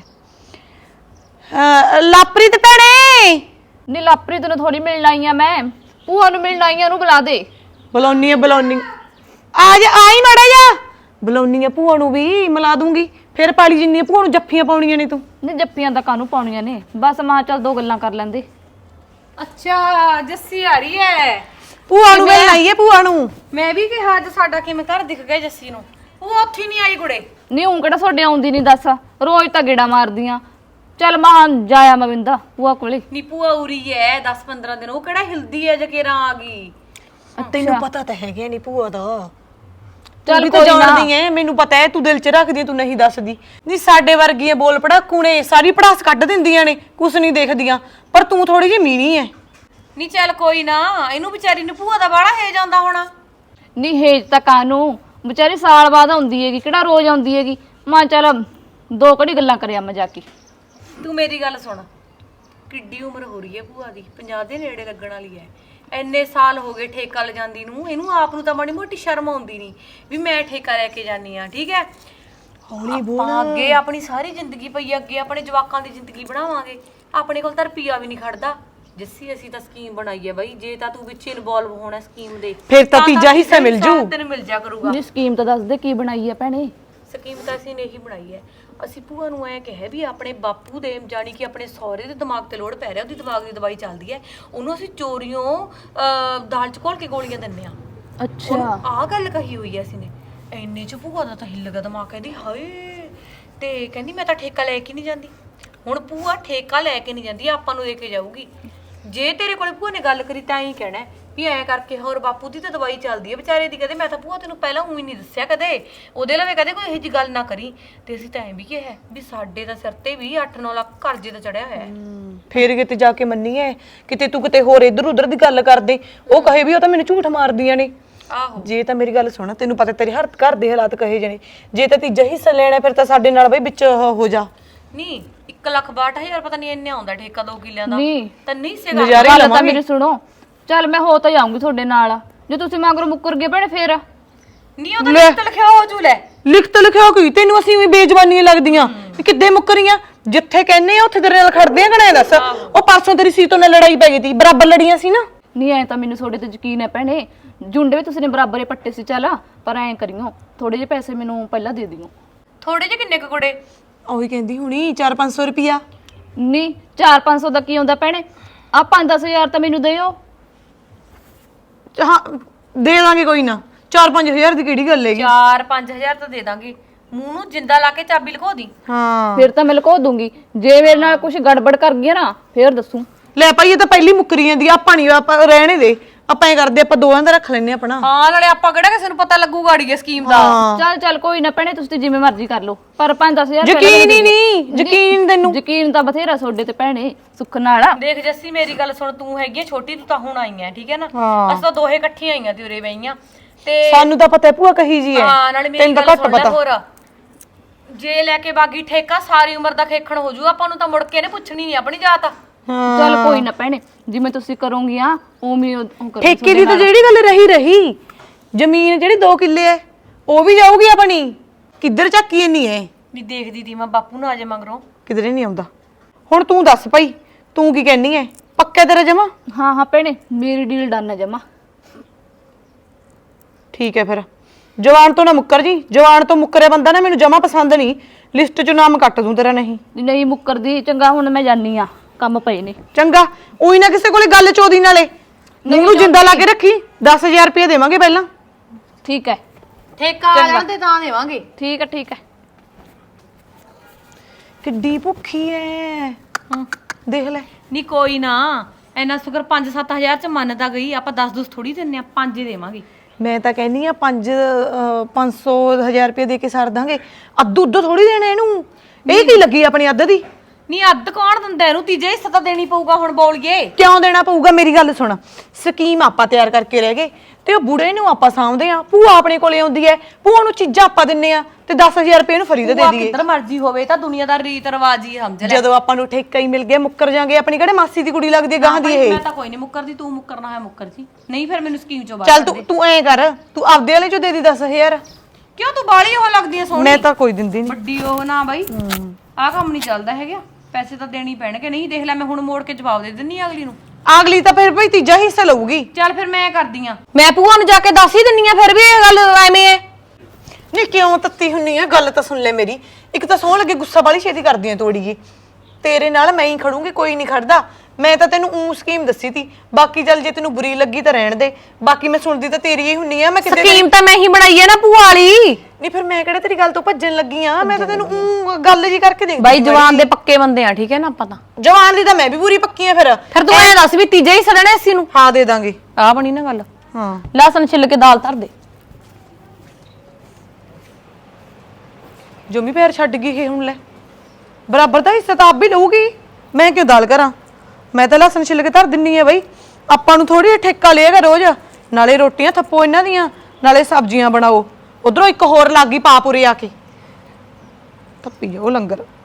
ਲਾਪਰੀ ਤੇ ਭੈਣੇ, ਨੀ ਲਾਪਰੀ ਤੈਨੂੰ ਥੋੜੀ ਮਿਲਣ ਆਈ ਆ ਮੈਂ, ਭੂਆ ਨੂੰ ਮਿਲਣ ਆਈ ਆ, ਉਹਨੂੰ ਬੁਲਾ ਦੇ। ਬੁਲਾਉਣੀ ਆ ਬੁਲਾਉਣੀ, ਆ ਜਾ, ਆਈ ਮਾੜਾ ਜਾ। ਬੁਲਾਉਣੀ ਆ ਭੂਆ ਨੂੰ ਵੀ, ਮਿਲਾ ਦੂੰਗੀ। ਫਿਰ ਪਾਲੀ ਜਿੰਨੀ ਭੂਆ ਨੂੰ ਜੱਫੀਆਂ ਪਾਉਣੀਆਂ ਨੇ ਤੂੰ। ਨੀ ਜੱਫੀਆਂ ਤਾਂ ਕਾਹਨੂੰ ਪਾਉਣੀਆਂ ਨੇ, ਬਸ ਮਾਂ ਚੱਲ ਦੋ ਗੱਲਾਂ ਕਰ ਲੈਂਦੇ। ਅੱਛਾ ਜੱਸੀ ਆ ਰਹੀ ਹੈ। ਭੂਆ ਨੂੰ ਮਿਲਣ ਆਈ ਹੈ, ਭੂਆ ਨੂੰ। ਮੈਂ ਵੀ ਕਿਹਾ ਅੱਜ ਸਾਡਾ ਕਿਵੇਂ ਘਰ ਦਿਖ ਗਿਆ ਜੱਸੀ ਨੂੰ, ਉਹ ਉੱਥੇ ਨਹੀਂ ਆਈ ਕੁੜੇ। ਨਹੀਂ ਹੂੰ ਕਿਹੜਾ ਤੁਹਾਡੇ ਆਉਂਦੀ ਨਹੀਂ ਦੱਸ ਰੋਜ਼ ਤਾਂ ਗੇੜਾ ਮਾਰਦੀਆਂ ਚੱਲ ਮਾਂ ਜਾਇਆ ਮਵਿੰਦਾ ਭੂਆ ਕੋਲੇ ਨੀ ਭੂਆ ਉਰੀ ਐ ਦਸ ਪੰਦਰਾਂ ਦਿਨ ਉਹ ਕਿਹੜਾ ਹਿਲਦੀ ਐ ਜਕੇਰਾ ਆ ਗਈ। ਤੈਨੂੰ ਪਤਾ ਤਾਂ ਹੈਗਾ ਨਹੀਂ ਭੂਆ ਦਾ। ਚੱਲ ਚੱਲ ਕੋਈ ਕੋਈ ਨਾ। ਜਾਣਦੀ ਐ, ਮੈਨੂੰ ਪਤਾ ਹੈ ਤੂੰ ਦਿਲ 'ਚ ਰੱਖਦੀ ਐ, ਤੂੰ ਨਹੀਂ ਦੱਸਦੀ। ਨਹੀਂ ਸਾਡੇ ਵਰਗੀਆਂ ਬੋਲ ਪੜਾਕੂ ਨੇ ਸਾਰੀ ਪੜਾਸ ਕੱਢ ਦਿੰਦੀਆਂ ਨੇ, ਕੁਛ ਨਹੀਂ ਦੇਖਦੀਆਂ, ਪਰ ਤੂੰ ਥੋੜੀ ਜਿਹੀ ਮੀਣੀ ਐ। ਨੀ ਚੱਲ ਕੋਈ ਨਾ, ਇਹਨੂੰ ਵਿਚਾਰੀ ਨੂੰ ਭੂਆ ਦਾ ਬਾੜਾ ਹੈ ਜਾਂਦਾ ਹੋਣਾ। ਨਹੀਂ ਹੇਜ ਤਾਂ ਕਾਨੂੰ ਵਿਚਾਰੀ ਸਾਲ ਬਾਅਦ ਆਉਂਦੀ ਹੈਗੀ ਕਿਹੜਾ ਰੋਜ਼ ਆਉਂਦੀ ਹੈਗੀ ਮਾਂ ਚੱਲ ਦੋ ਘੜੀ ਗੱਲਾਂ ਕਰਿਆ ਮੈਂ ਜਾ ਕੇ। ਤੂੰ ਮੇਰੀ ਗੱਲ ਸੁਣ, ਕਿੱਡੀ ਉਮਰ ਹੋ ਰਹੀ ਹੈ ਭੂਆ ਦੀ, ਪੰਜਾਹ ਦੇ ਨੇੜੇ ਲੱਗਣ ਵਾਲੀ ਹੈ। ਇੰਨੇ ਸਾਲ ਹੋ ਗਏ ਠੇਕਾ ਲੈ ਜਾਂਦੀ ਨੂੰ, ਇਹਨੂੰ ਆਪ ਨੂੰ ਤਾਂ ਮਾੜੀ ਮੋਟੀ ਸ਼ਰਮ ਆਉਂਦੀ ਨਹੀਂ ਵੀ ਮੈਂ ਠੇਕਾ ਲੈ ਕੇ ਜਾਨੀ ਆ। ਠੀਕ ਹੈ, ਹੌਲੀ ਬੋਲ। ਅੱਗੇ ਆਪਣੀ ਸਾਰੀ ਜ਼ਿੰਦਗੀ ਪਈ ਆ, ਅੱਗੇ ਆਪਣੇ ਜਵਾਕਾਂ ਦੀ ਜ਼ਿੰਦਗੀ ਬਣਾਵਾਂਗੇ। ਆਪਣੇ ਕੋਲ ਤਾਂ ਰੁਪਈਆ ਵੀ ਨਹੀਂ ਖੜਦਾ। ਜੱਸੀ ਅਸੀਂ ਤਾਂ ਸਕੀਮ ਬਣਾਈ ਹੈ ਬਾਈ, ਜੇ ਤਾਂ ਤੂੰ ਵਿੱਚ ਇਨਵੋਲਵ ਹੋਣਾ ਸਕੀਮ ਦੇ ਫਿਰ ਤਾਂ ਤੀਜਾ ਹਿੱਸਾ ਮਿਲ ਜੂ। ਤੈਨੂੰ ਮਿਲ ਜਾ ਕਰੂਗਾ। ਨਹੀਂ ਸਕੀਮ ਤਾਂ ਦੱਸ ਦੇ ਕੀ ਬਣਾਈ ਹੈ ਭੈਣੇ। ਸਕੀਮ ਤਾਂ ਅਸੀਂ ਨੇ ਹੀ ਬਣਾਈ ਹੈ। ਅਸੀਂ ਭੂਆ ਨੂੰ ਐ ਕਿਹਾ ਵੀ ਆਪਣੇ ਬਾਪੂ ਦੇ ਜਾਣੀ ਕਿ ਆਪਣੇ ਸਹੁਰੇ ਦੇ ਦਿਮਾਗ ਤੇ ਲੋੜ ਪੈ ਰਿਹਾ, ਉਹਦੀ ਦਿਮਾਗ ਦੀ ਦਵਾਈ ਚੱਲਦੀ ਹੈ, ਉਹਨੂੰ ਅਸੀਂ ਚੋਰੀਓਂ ਅਹ, ਦਾਲ ਚ ਘੋਲ ਕੇ ਗੋਲੀਆਂ ਦਿੰਨੇ ਆ। ਅੱਛਾ ਆਹ ਗੱਲ ਕਹੀ ਹੋਈ ਐ ਅਸੀਂ ਨੇ। ਇੰਨੇ ਚ ਭੂਆ ਦਾ ਤਾਂ ਹਿੱਲ ਗਿਆ ਦਿਮਾਗ, ਕਹਿੰਦੀ ਹਾਏ, ਤੇ ਕਹਿੰਦੀ ਮੈਂ ਤਾਂ ਠੇਕਾ ਲੈ ਕੇ ਨਹੀਂ ਜਾਂਦੀ। ਹੁਣ ਭੂਆ ਠੇਕਾ ਲੈ ਕੇ ਨਹੀਂ ਜਾਂਦੀ, ਆਪਾਂ ਨੂੰ ਦੇ ਕੇ ਜਾਊਗੀ। ਜੇ ਤੇਰੇ ਕੋਲੇ ਭੂਆ ਨੇ ਗੱਲ ਕਰੀ ਤਾਂ ਹੀ ਕਹਿਣਾ ਵੀ ਐ ਕਰਕੇ ਹੋਰ ਬਾਪੂ ਦੀ ਤਾਂ ਦਵਾਈ ਚੱਲਦੀ ਹੈ ਵਿਚਾਰੇ ਦੀ। ਕਦੇ ਮੈਂ ਤਾਂ ਭੂਆ ਤੈਨੂੰ ਪਹਿਲਾਂ ਊਂ ਹੀ ਨਹੀਂ ਦੱਸਿਆ ਕਦੇ, ਉਹਦੇ ਲਵੇ ਕਦੇ ਕੋਈ ਇਹੋ ਜਿਹੀ ਗੱਲ ਨਾ ਕਰੀ। ਤੇ ਅਸੀਂ ਤਾਂ ਐਂ ਵੀ ਕਿਹਾ ਵੀ ਸਾਡੇ ਤਾਂ ਸਿਰ ਤੇ ਵੀ ਅੱਠ ਨੌ ਲੱਖ ਕਰਜ਼ੇ ਦਾ ਚੜਿਆ ਹੋਇਆ ਹੈ। ਫੇਰ ਕਿਤੇ ਜਾ ਕੇ ਮੰਨੀਏ, ਕਿਤੇ ਤੂੰ ਕਿਤੇ ਹੋਰ ਇੱਧਰ ਉੱਧਰ ਦੀ ਗੱਲ ਕਰਦੇ, ਉਹ ਕਹੇ ਵੀ ਉਹ ਤਾਂ ਮੈਨੂੰ ਝੂਠ ਮਾਰਦੀਆਂ ਨੇ। ਆਹੋ, ਜੇ ਤਾਂ ਮੇਰੀ ਗੱਲ ਸੁਣ, ਤੈਨੂੰ ਪਤਾ ਤੇਰੇ ਹਰ ਘਰ ਦੇ ਹਾਲਾਤ ਕਹੇ ਜਾਣੇ, ਜੇ ਤਾਂ ਤੀਜਾ ਹਿੱਸਾ ਲੈਣਾ ਫਿਰ ਤਾਂ ਸਾਡੇ ਨਾਲ ਬਈ ਵਿੱਚ ਉਹ ਹੋ ਜਾ। ਨਹੀਂ ਇੱਕ ਲੱਖ ਬਾਹਠ ਹਜ਼ਾਰ ਪਤਾ ਨਹੀਂ ਇੰਨੇ ਆਉਂਦਾ ਠੇਕਾ ਦੋ ਕਿੱਲਿਆਂ ਦਾ, ਨਹੀਂ ਤਾਂ ਨਹੀਂ ਸੇ ਨਜ਼ਾਰੇ ਗੱਲ ਤਾਂ ਲਵਾਂਗੇ। ਮੇਰੀ ਸੁਣੋ ਚੱਲ ਮੈਂ ਹੋ ਤਾਂ ਜਾਊਂਗੀ ਤੁਹਾਡੇ ਨਾਲ ਜੇ ਤੁਸੀਂ ਮਗਰੋਂ ਮੁੱਕਰ ਗਏ ਭੈਣੇ ਫੇਰ ਨਹੀਂ ਉਹਦਾ ਲਿਖਤ ਲਿਖਿਆ ਹੋ ਜੂ ਲੈ। ਲਿਖਤ ਲਿਖਿਆ ਕੋਈ ਤੈਨੂੰ ਅਸੀਂ ਵੀ ਬੇਜ਼ਬਾਨੀਆਂ ਲੱਗਦੀਆਂ ਵੀ ਕਿੱਦੇ ਮੁੱਕਰੀਆਂ, ਜਿੱਥੇ ਕਹਿੰਨੇ ਆ ਉੱਥੇ ਤੇਰੇ ਨਾਲ ਖੜਦੇ ਆ ਕਣਾ ਦੱਸ। ਉਹ ਪਰਸੋਂ ਤੇਰੀ ਸੀਤੋਂ ਨਾਲ ਲੜਾਈ ਪੈ ਗਈ ਸੀ, ਬਰਾਬਰ ਲੜੀਆਂ ਸੀ ਨਾ। ਨਹੀਂ ਐ ਤਾਂ ਮੈਨੂੰ ਤੁਹਾਡੇ ਤੇ ਯਕੀਨ ਹੈ ਭੈਣੇ, ਜੁੰਡੇ ਵੀ ਤੁਸੀਂ ਨੇ ਬਰਾਬਰ ਹੀ ਪੱਟੇ ਸੀ ਚੱਲ, ਪਰ ਐਂ ਕਰਿਓ ਥੋੜੇ ਜਿਹੇ ਪੈਸੇ ਮੈਨੂੰ ਪਹਿਲਾਂ ਦੇ ਦਿਓ। ਥੋੜੇ ਜਿਹੇ ਕਿੰਨੇ ਕੁ ਕੁੜੇ? ਉਹੀ ਕਹਿੰਦੀ ਹੁਣੀ ਚਾਰ ਪੰਜ ਸੌ ਰੁਪਿਆ। ਨਹੀਂ ਚਾਰ ਪੰਜ ਸੌ ਦਾ ਕੀ ਹੁੰਦਾ ਭੈਣੇ, ਆ ਪੰਜ ਦਸ ਹਜ਼ਾਰ ਤਾਂ ਮੈਨੂੰ ਦਿਓ। ਹਾਂ ਦੇ ਦਾਂਗੇ ਕੋਈ ਨਾ, ਚਾਰ ਪੰਜ ਹਜ਼ਾਰ ਦੀ ਕਿਹੜੀ ਗੱਲ ਹੈਗੀ। ਚਾਰ ਪੰਜ ਹਜ਼ਾਰ ਤਾਂ ਦੇ ਦਾਂਗੇ, ਮੂੰਹ ਨੂੰ ਜਿੰਦਾ ਲਾ ਕੇ ਚਾਬੀ ਲਕੋ ਦੀ। ਹਾਂ ਫਿਰ ਤਾਂ ਮੈਂ ਲੁਕੋ ਦੂੰਗੀ, ਜੇ ਮੇਰੇ ਨਾਲ ਕੁਝ ਗੜਬੜ ਕਰ ਗਿਆ ਨਾ ਫੇਰ ਦੱਸੂ। ਲੈ ਭਾਈ ਇਹ ਤਾਂ ਪਹਿਲੀ ਮੁੱਕਰੀ ਜਾਂਦੀ, ਆਪਾਂ ਨਹੀਂ, ਆਪਾਂ ਰਹਿਣੇ ਦੇ, ਆਪਾਂ ਐ ਕਰਦੇ ਆਪਾਂ ਦੋਵਾਂ ਦਾ ਰੱਖ ਲੈਨੇ ਆਪਣਾ। ਹਾਂ ਨਾਲੇ ਆਪਾਂ ਕਿਹੜਾ ਕਿਸੇ ਨੂੰ ਪਤਾ ਲੱਗੂਗਾ ਅੜੀਏ ਸਕੀਮ ਦਾ। ਚੱਲ ਚੱਲ ਕੋਈ ਨਾ ਭੈਣੇ ਤੁਸੀਂ ਜਿਵੇਂ ਮਰਜ਼ੀ ਕਰ ਲਓ, ਪਰ ਪੰਜ ਦਸ ਹਜ਼ਾਰ ਯਕੀਨ ਹੀ ਨਹੀਂ, ਯਕੀਨ ਤੈਨੂੰ ਯਕੀਨ ਤਾਂ ਬਥੇਰਾ ਤੁਹਾਡੇ ਤੇ ਭੈਣੇ ਸੁੱਖ ਨਾਲ ਆ। ਦੇਖ ਜੱਸੀ ਮੇਰੀ ਗੱਲ ਸੁਣ, ਤੂੰ ਹੈਗੀ ਆ ਛੋਟੀ, ਤੂੰ ਤਾਂ ਹੁਣ ਆਈ ਐ ਠੀਕ ਹੈ ਨਾ। ਅਸੀਂ ਤਾਂ ਦੋਹੇ ਇਕੱਠੀਆਂ ਆਈਆਂ ਤੇ ਉਰੇ ਬਈਆਂ ਤੇ ਸਾਨੂੰ ਤਾਂ ਪਤਾ ਹੈ ਭੂਆ ਕਹੀ ਜੀ ਹੈ। ਹਾਂ ਨਾਲੇ ਮੇਰੀ ਗੱਲ ਸੁਣ ਲੈ ਹੋਰ, ਜੇ ਲੈ ਕੇ ਬਾਗੀ ਠੇਕਾ ਸਾਰੀ ਉਮਰ ਦਾ ਖੇਖਣ ਹੋ ਜੂ, ਆਪਾਂ ਨੂੰ ਤਾਂ ਮੁੜ ਕੇ ਨੇ ਪੁੱਛਣੀ ਨਹੀਂ ਆਪਣੀ ਜਾਤ। ਚੱਲ ਕੋਈ ਨਾ ਭੈਣੇ ਜਿਵੇਂ ਤੁਸੀਂ ਕਰੋਗੀ ਆ ਉਵੇਂ ਉਹ ਕਰੋ। ਠੇਕੇ ਦੀ ਤਾਂ ਜਿਹੜੀ ਗੱਲ ਰਹੀ ਰਹੀ, ਜ਼ਮੀਨ ਜਿਹੜੀ ਦੋ ਕਿੱਲੇ ਐ ਉਹ ਵੀ ਜਾਊਗੀ ਆਪਣੀ। ਕਿੱਧਰ ਚੱਕੀ ਇੰਨੀ ਐ? ਨਹੀਂ ਦੇਖਦੀ ਤੀ ਮੈਂ ਬਾਪੂ ਨਾ ਆ ਜਾ ਮਗਰੋਂ। ਕਿਧਰੇ ਨਹੀਂ ਆਉਂਦਾ। ਹੁਣ ਤੂੰ ਦੱਸ ਭਾਈ, ਤੂੰ ਕੀ ਕਹਿਨੀ ਐ? ਪੱਕਾ ਤੇਰਾ ਜਮਾ? ਹਾਂ ਹਾਂ ਭੈਣੇ ਮੇਰੀ ਡੀਲ ਡਨ ਹੈ ਜਮਾ। ਠੀਕ ਹੈ ਫਿਰ ਜਵਾਨ ਤੋਂ ਨਾ ਮੁੱਕਰ ਜੀ, ਜਵਾਨ ਤੋਂ ਮੁੱਕਰਿਆ ਬੰਦਾ ਨਾ ਮੈਨੂੰ ਜਮਾ ਪਸੰਦ ਨਹੀਂ, ਲਿਸਟ ਚੋਂ ਨਾਮ ਕੱਟ ਦੂੰ ਤੇਰਾ। ਨਹੀਂ ਨਹੀਂ ਮੁੱਕਰਦੀ, ਚੰਗਾ ਹੁਣ ਮੈਂ ਜਾਨੀ ਆ, ਕੰਮ ਪਏ ਨੇ। ਚੰਗਾ, ਉਹੀ ਨਾ ਕਿਸੇ ਕੋਲੇ ਗੱਲ ਚੋਦੀ ਨਾਲੇ ਨੂੰ ਜਿੰਦਾ ਲਾ ਕੇ ਰੱਖੀ। ਦਸ ਹਜ਼ਾਰ ਰੁਪਏ ਦੇਵਾਂਗੇ ਪਹਿਲਾਂ। ਠੀਕ ਹੈ ਠੇਕਾ ਆ ਜਾਣ ਤੇ ਤਾਂ ਦੇਵਾਂਗੇ। ਠੀਕ ਹੈ ਠੀਕ ਹੈ। ਕਿੱਡੀ ਭੁੱਖੀ ਐ, ਦੇਖ ਲੈ। ਨਹੀਂ ਕੋਈ ਨਾ, ਐਨਾ ਸ਼ੁਕਰ ਪੰਜ ਸੱਤ ਹਜ਼ਾਰ ਚ ਮੰਨ ਤਾਂ ਗਈ, ਆਪਾਂ ਦਸ ਦਸ ਥੋੜੀ ਦਿੰਨੇ ਆ, ਪੰਜ ਹੀ ਦੇਵਾਂਗੇ। ਮੈਂ ਤਾਂ ਕਹਿੰਨੀ ਆ ਪੰਜ ਪੰਜ ਸੌ ਹਜ਼ਾਰ ਰੁਪਏ ਦੇ ਕੇ ਛੱਡ ਦਾਂਗੇ। ਅੱਧ ਉੱਧ ਥੋੜੀ ਦੇਣਾ ਇਹਨੂੰ, ਇਹ ਕੀ ਲੱਗੀ ਆਪਣੀ ਅੱਧ ਦੀ। ਨਹੀਂ ਅੱਧ ਕੌਣ ਦਿੰਦਾ ਇਹਨੂੰ, ਤੀਜੇ ਹਿੱਸਾ ਤਾਂ ਦੇਣੀ ਪਊਗਾ। ਹੁਣ ਬੋਲੀਏ ਕਿਉਂ ਦੇਣਾ ਪਊਗਾ? ਮੇਰੀ ਗੱਲ ਸੁਣ, ਸਕੀਮ ਆਪਾਂ ਤਿਆਰ ਕਰਕੇ ਰਹਿ ਗਏ ਤੇ ਉਹ ਬੁੜੇ ਨੂੰ ਆਪਾਂ ਸਾਂਭਦੇ ਆ। ਭੂਆ ਆਪਣੇ ਕੋਲੇ ਆਉਂਦੀ ਐ, ਭੂਆ ਨੂੰ ਚੀਜ਼ਾਂ ਆਪਾਂ ਦਿੰਨੇ ਆ ਤੇ ਦਸ ਹਜ਼ਾਰ ਰੁਪਏ ਇਹਨੂੰ ਫਰੀ ਦੇ ਦੇ ਦਈਏ। ਕਿੱਧਰ ਮਰਜ਼ੀ ਹੋਵੇ, ਤਾਂ ਦੁਨੀਆ ਦਾ ਰੀਤ ਰਿਵਾਜ ਹੀ ਸਮਝ ਲੈ। ਜਦੋਂ ਆਪਾਂ ਨੂੰ ਠੇਕਾ ਹੀ ਮਿਲ ਗਿਆ ਮੁੱਕਰ ਜਾਾਂਗੇ। ਆਪਣੀ ਕਿਹੜੇ ਮਾਸੀ ਦੀ ਕੁੜੀ ਲੱਗਦੀ ਹੈ ਗਾਂ ਦੀ ਇਹ। ਮੈਂ ਤਾਂ ਕੋਈ ਨਹੀਂ ਮੁੱਕਰਦੀ, ਤੂੰ ਮੁੱਕਰਨਾ ਹੈ ਮੁੱਕਰ ਜੀ, ਨਹੀਂ ਫਿਰ ਮੈਨੂੰ ਸਕੀਮ ਚੋਂ ਬਾਹਰ ਚੱਲ ਤੂੰ ਤੂੰ ਐਂ ਕਰ, ਤੂੰ ਆਪਦੇ ਵਾਲੇ ਚੋਂ ਦੇ ਦੀ ਦਸ ਹਜ਼ਾਰ। ਕਿਉਂ ਤੂੰ ਬਾਲੀ ਉਹ ਲੱਗਦੀ ਐ ਸੋਹਣੀ? ਮੈਂ ਤਾਂ ਕੋਈ ਦਿੰਦੀ ਨਹੀਂ। ਵੱਡੀ ਉਹ ਨਾ ਬਾਈ, ਆਹ ਕੰਮ ਨਹੀਂ ਚੱਲਦਾ ਹੈਗਾ, ਪੈਸੇ ਤਾਂ ਦੇਣੀ ਪੈਣਗੇ। ਨਹੀਂ ਦੇਖ ਲੈ ਮੈਂ ਹੁਣ ਮੋੜ ਕੇ ਜਵਾਬ ਦੇ ਦਿੰਨੀ ਅਗਲੀ ਨੂੰ। ਅਗਲੀ ਤਾਂ ਫਿਰ ਭਾਈ ਤੀਜਾ ਹਿੱਸਾ ਲਊਗੀ। ਚੱਲ ਫਿਰ ਮੈਂ ਕਰਦੀ ਆ। ਮੈਂ ਭੂਆ ਨੂੰ ਜਾ ਕੇ ਦੱਸ ਹੀ ਦਿੰਨੀ ਆ, ਫਿਰ ਵੀ ਇਹ ਗੱਲ ਐਵੇਂ ਐ। ਨਹੀਂ ਕਿਉਂ ਤੱਤੀ ਹੁੰਨੀ ਆ? ਗੱਲ ਤਾਂ ਸੁਣ ਲੈ ਮੇਰੀ। ਇੱਕ ਤਾਂ ਸੌਂ ਲੱਗੇ ਗੁੱਸਾ ਵਾਲੀ ਛੇਤੀ ਕਰਦੀਆਂ ਤੋੜੀਏ। ਤੇਰੇ ਨਾਲ ਮੈਂ ਹੀ ਖੜੂੰਗੀ, ਕੋਈ ਨਹੀਂ ਖੜਦਾ। ਮੈਂ ਤਾਂ ਤੈਨੂੰ ਊ ਸਕੀਮ ਦੱਸੀ ਤੀ, ਬਾਕੀ ਚੱਲ ਜੇ ਤੈਨੂੰ ਬੁਰੀ ਲੱਗੀ ਤਾਂ ਰਹਿਣ ਦੇ, ਬਾਕੀ ਮੈਂ ਸੁਣਦੀ ਤਾਂ ਤੇਰੀ ਹੀ ਹੁੰਨੀ ਆ। ਮੈਂ ਕਿਤੇ ਸਕੀਮ ਤਾਂ ਮੈਂ ਹੀ ਬਣਾਈ ਹੈ ਨਾ ਭੂਆ ਵਾਲੀ। ਨਹੀਂ ਫਿਰ ਮੈਂ ਕਿਹੜਾ ਤੇਰੀ ਗੱਲ ਤੋਂ ਭੱਜਣ ਲੱਗੀ ਆ, ਮੈਂ ਤਾਂ ਤੈਨੂੰ ਊ ਗੱਲ ਜੀ ਕਰਕੇ ਦੇਖਦੀ ਬਾਈ ਜਵਾਨ ਦੇ ਪੱਕੇ ਬੰਦੇ ਆ, ਠੀਕ ਹੈ ਨਾ ਆਪਾਂ ਤਾਂ। ਜਵਾਨ ਦੀ ਤਾਂ ਮੈਂ ਵੀ ਪੂਰੀ ਪੱਕੀ ਆ ਫਿਰ। ਫਿਰ ਤੂੰ ਐਂ ਦੱਸ ਵੀ ਤੀਜਾ ਹੀ ਸੜਣਾ ਅਸੀਂ ਨੂੰ। ਹਾਂ ਦੇ ਦਾਂਗੇ। ਆ ਬਣੀ ਨਾ ਗੱਲ। ਹਾਂ ਲਸਣ ਛਿੱਲ ਕੇ ਦਾਲ ਧਰ ਦੇ। ਜੋਮੀ ਪੈਰ ਛੱਡ ਗਈ ਇਹ ਹੁਣ। ਲੈ ਬਰਾਬਰ ਦਾ ਹਿੱਸਾ ਤਾਂ ਆਪ ਵੀ ਲਊਗੀ, ਮੈਂ ਕਿਉਂ ਦਾਲ ਕਰਾਂ? ਮੈਂ ਤਾਂ ਲਸਣ ਛਿੱਲ ਕੇ ਧਰ ਦਿੰਨੀ ਆ ਬਈ, ਆਪਾਂ ਨੂੰ ਥੋੜੀ ਠੇਕਾ ਲਿਏਗਾ ਰੋਜ਼। ਨਾਲੇ ਰੋਟੀਆਂ ਥੱਪੋ ਇਹਨਾਂ ਦੀਆਂ, ਨਾਲੇ ਸਬਜ਼ੀਆਂ ਬਣਾਓ। ਉਧਰੋਂ ਇੱਕ ਹੋਰ ਲੱਗ ਗਈ ਪਾਪੂਰੇ ਆ ਕੇ, ਥੱਪੀ ਜਾਓ ਲੰਗਰ।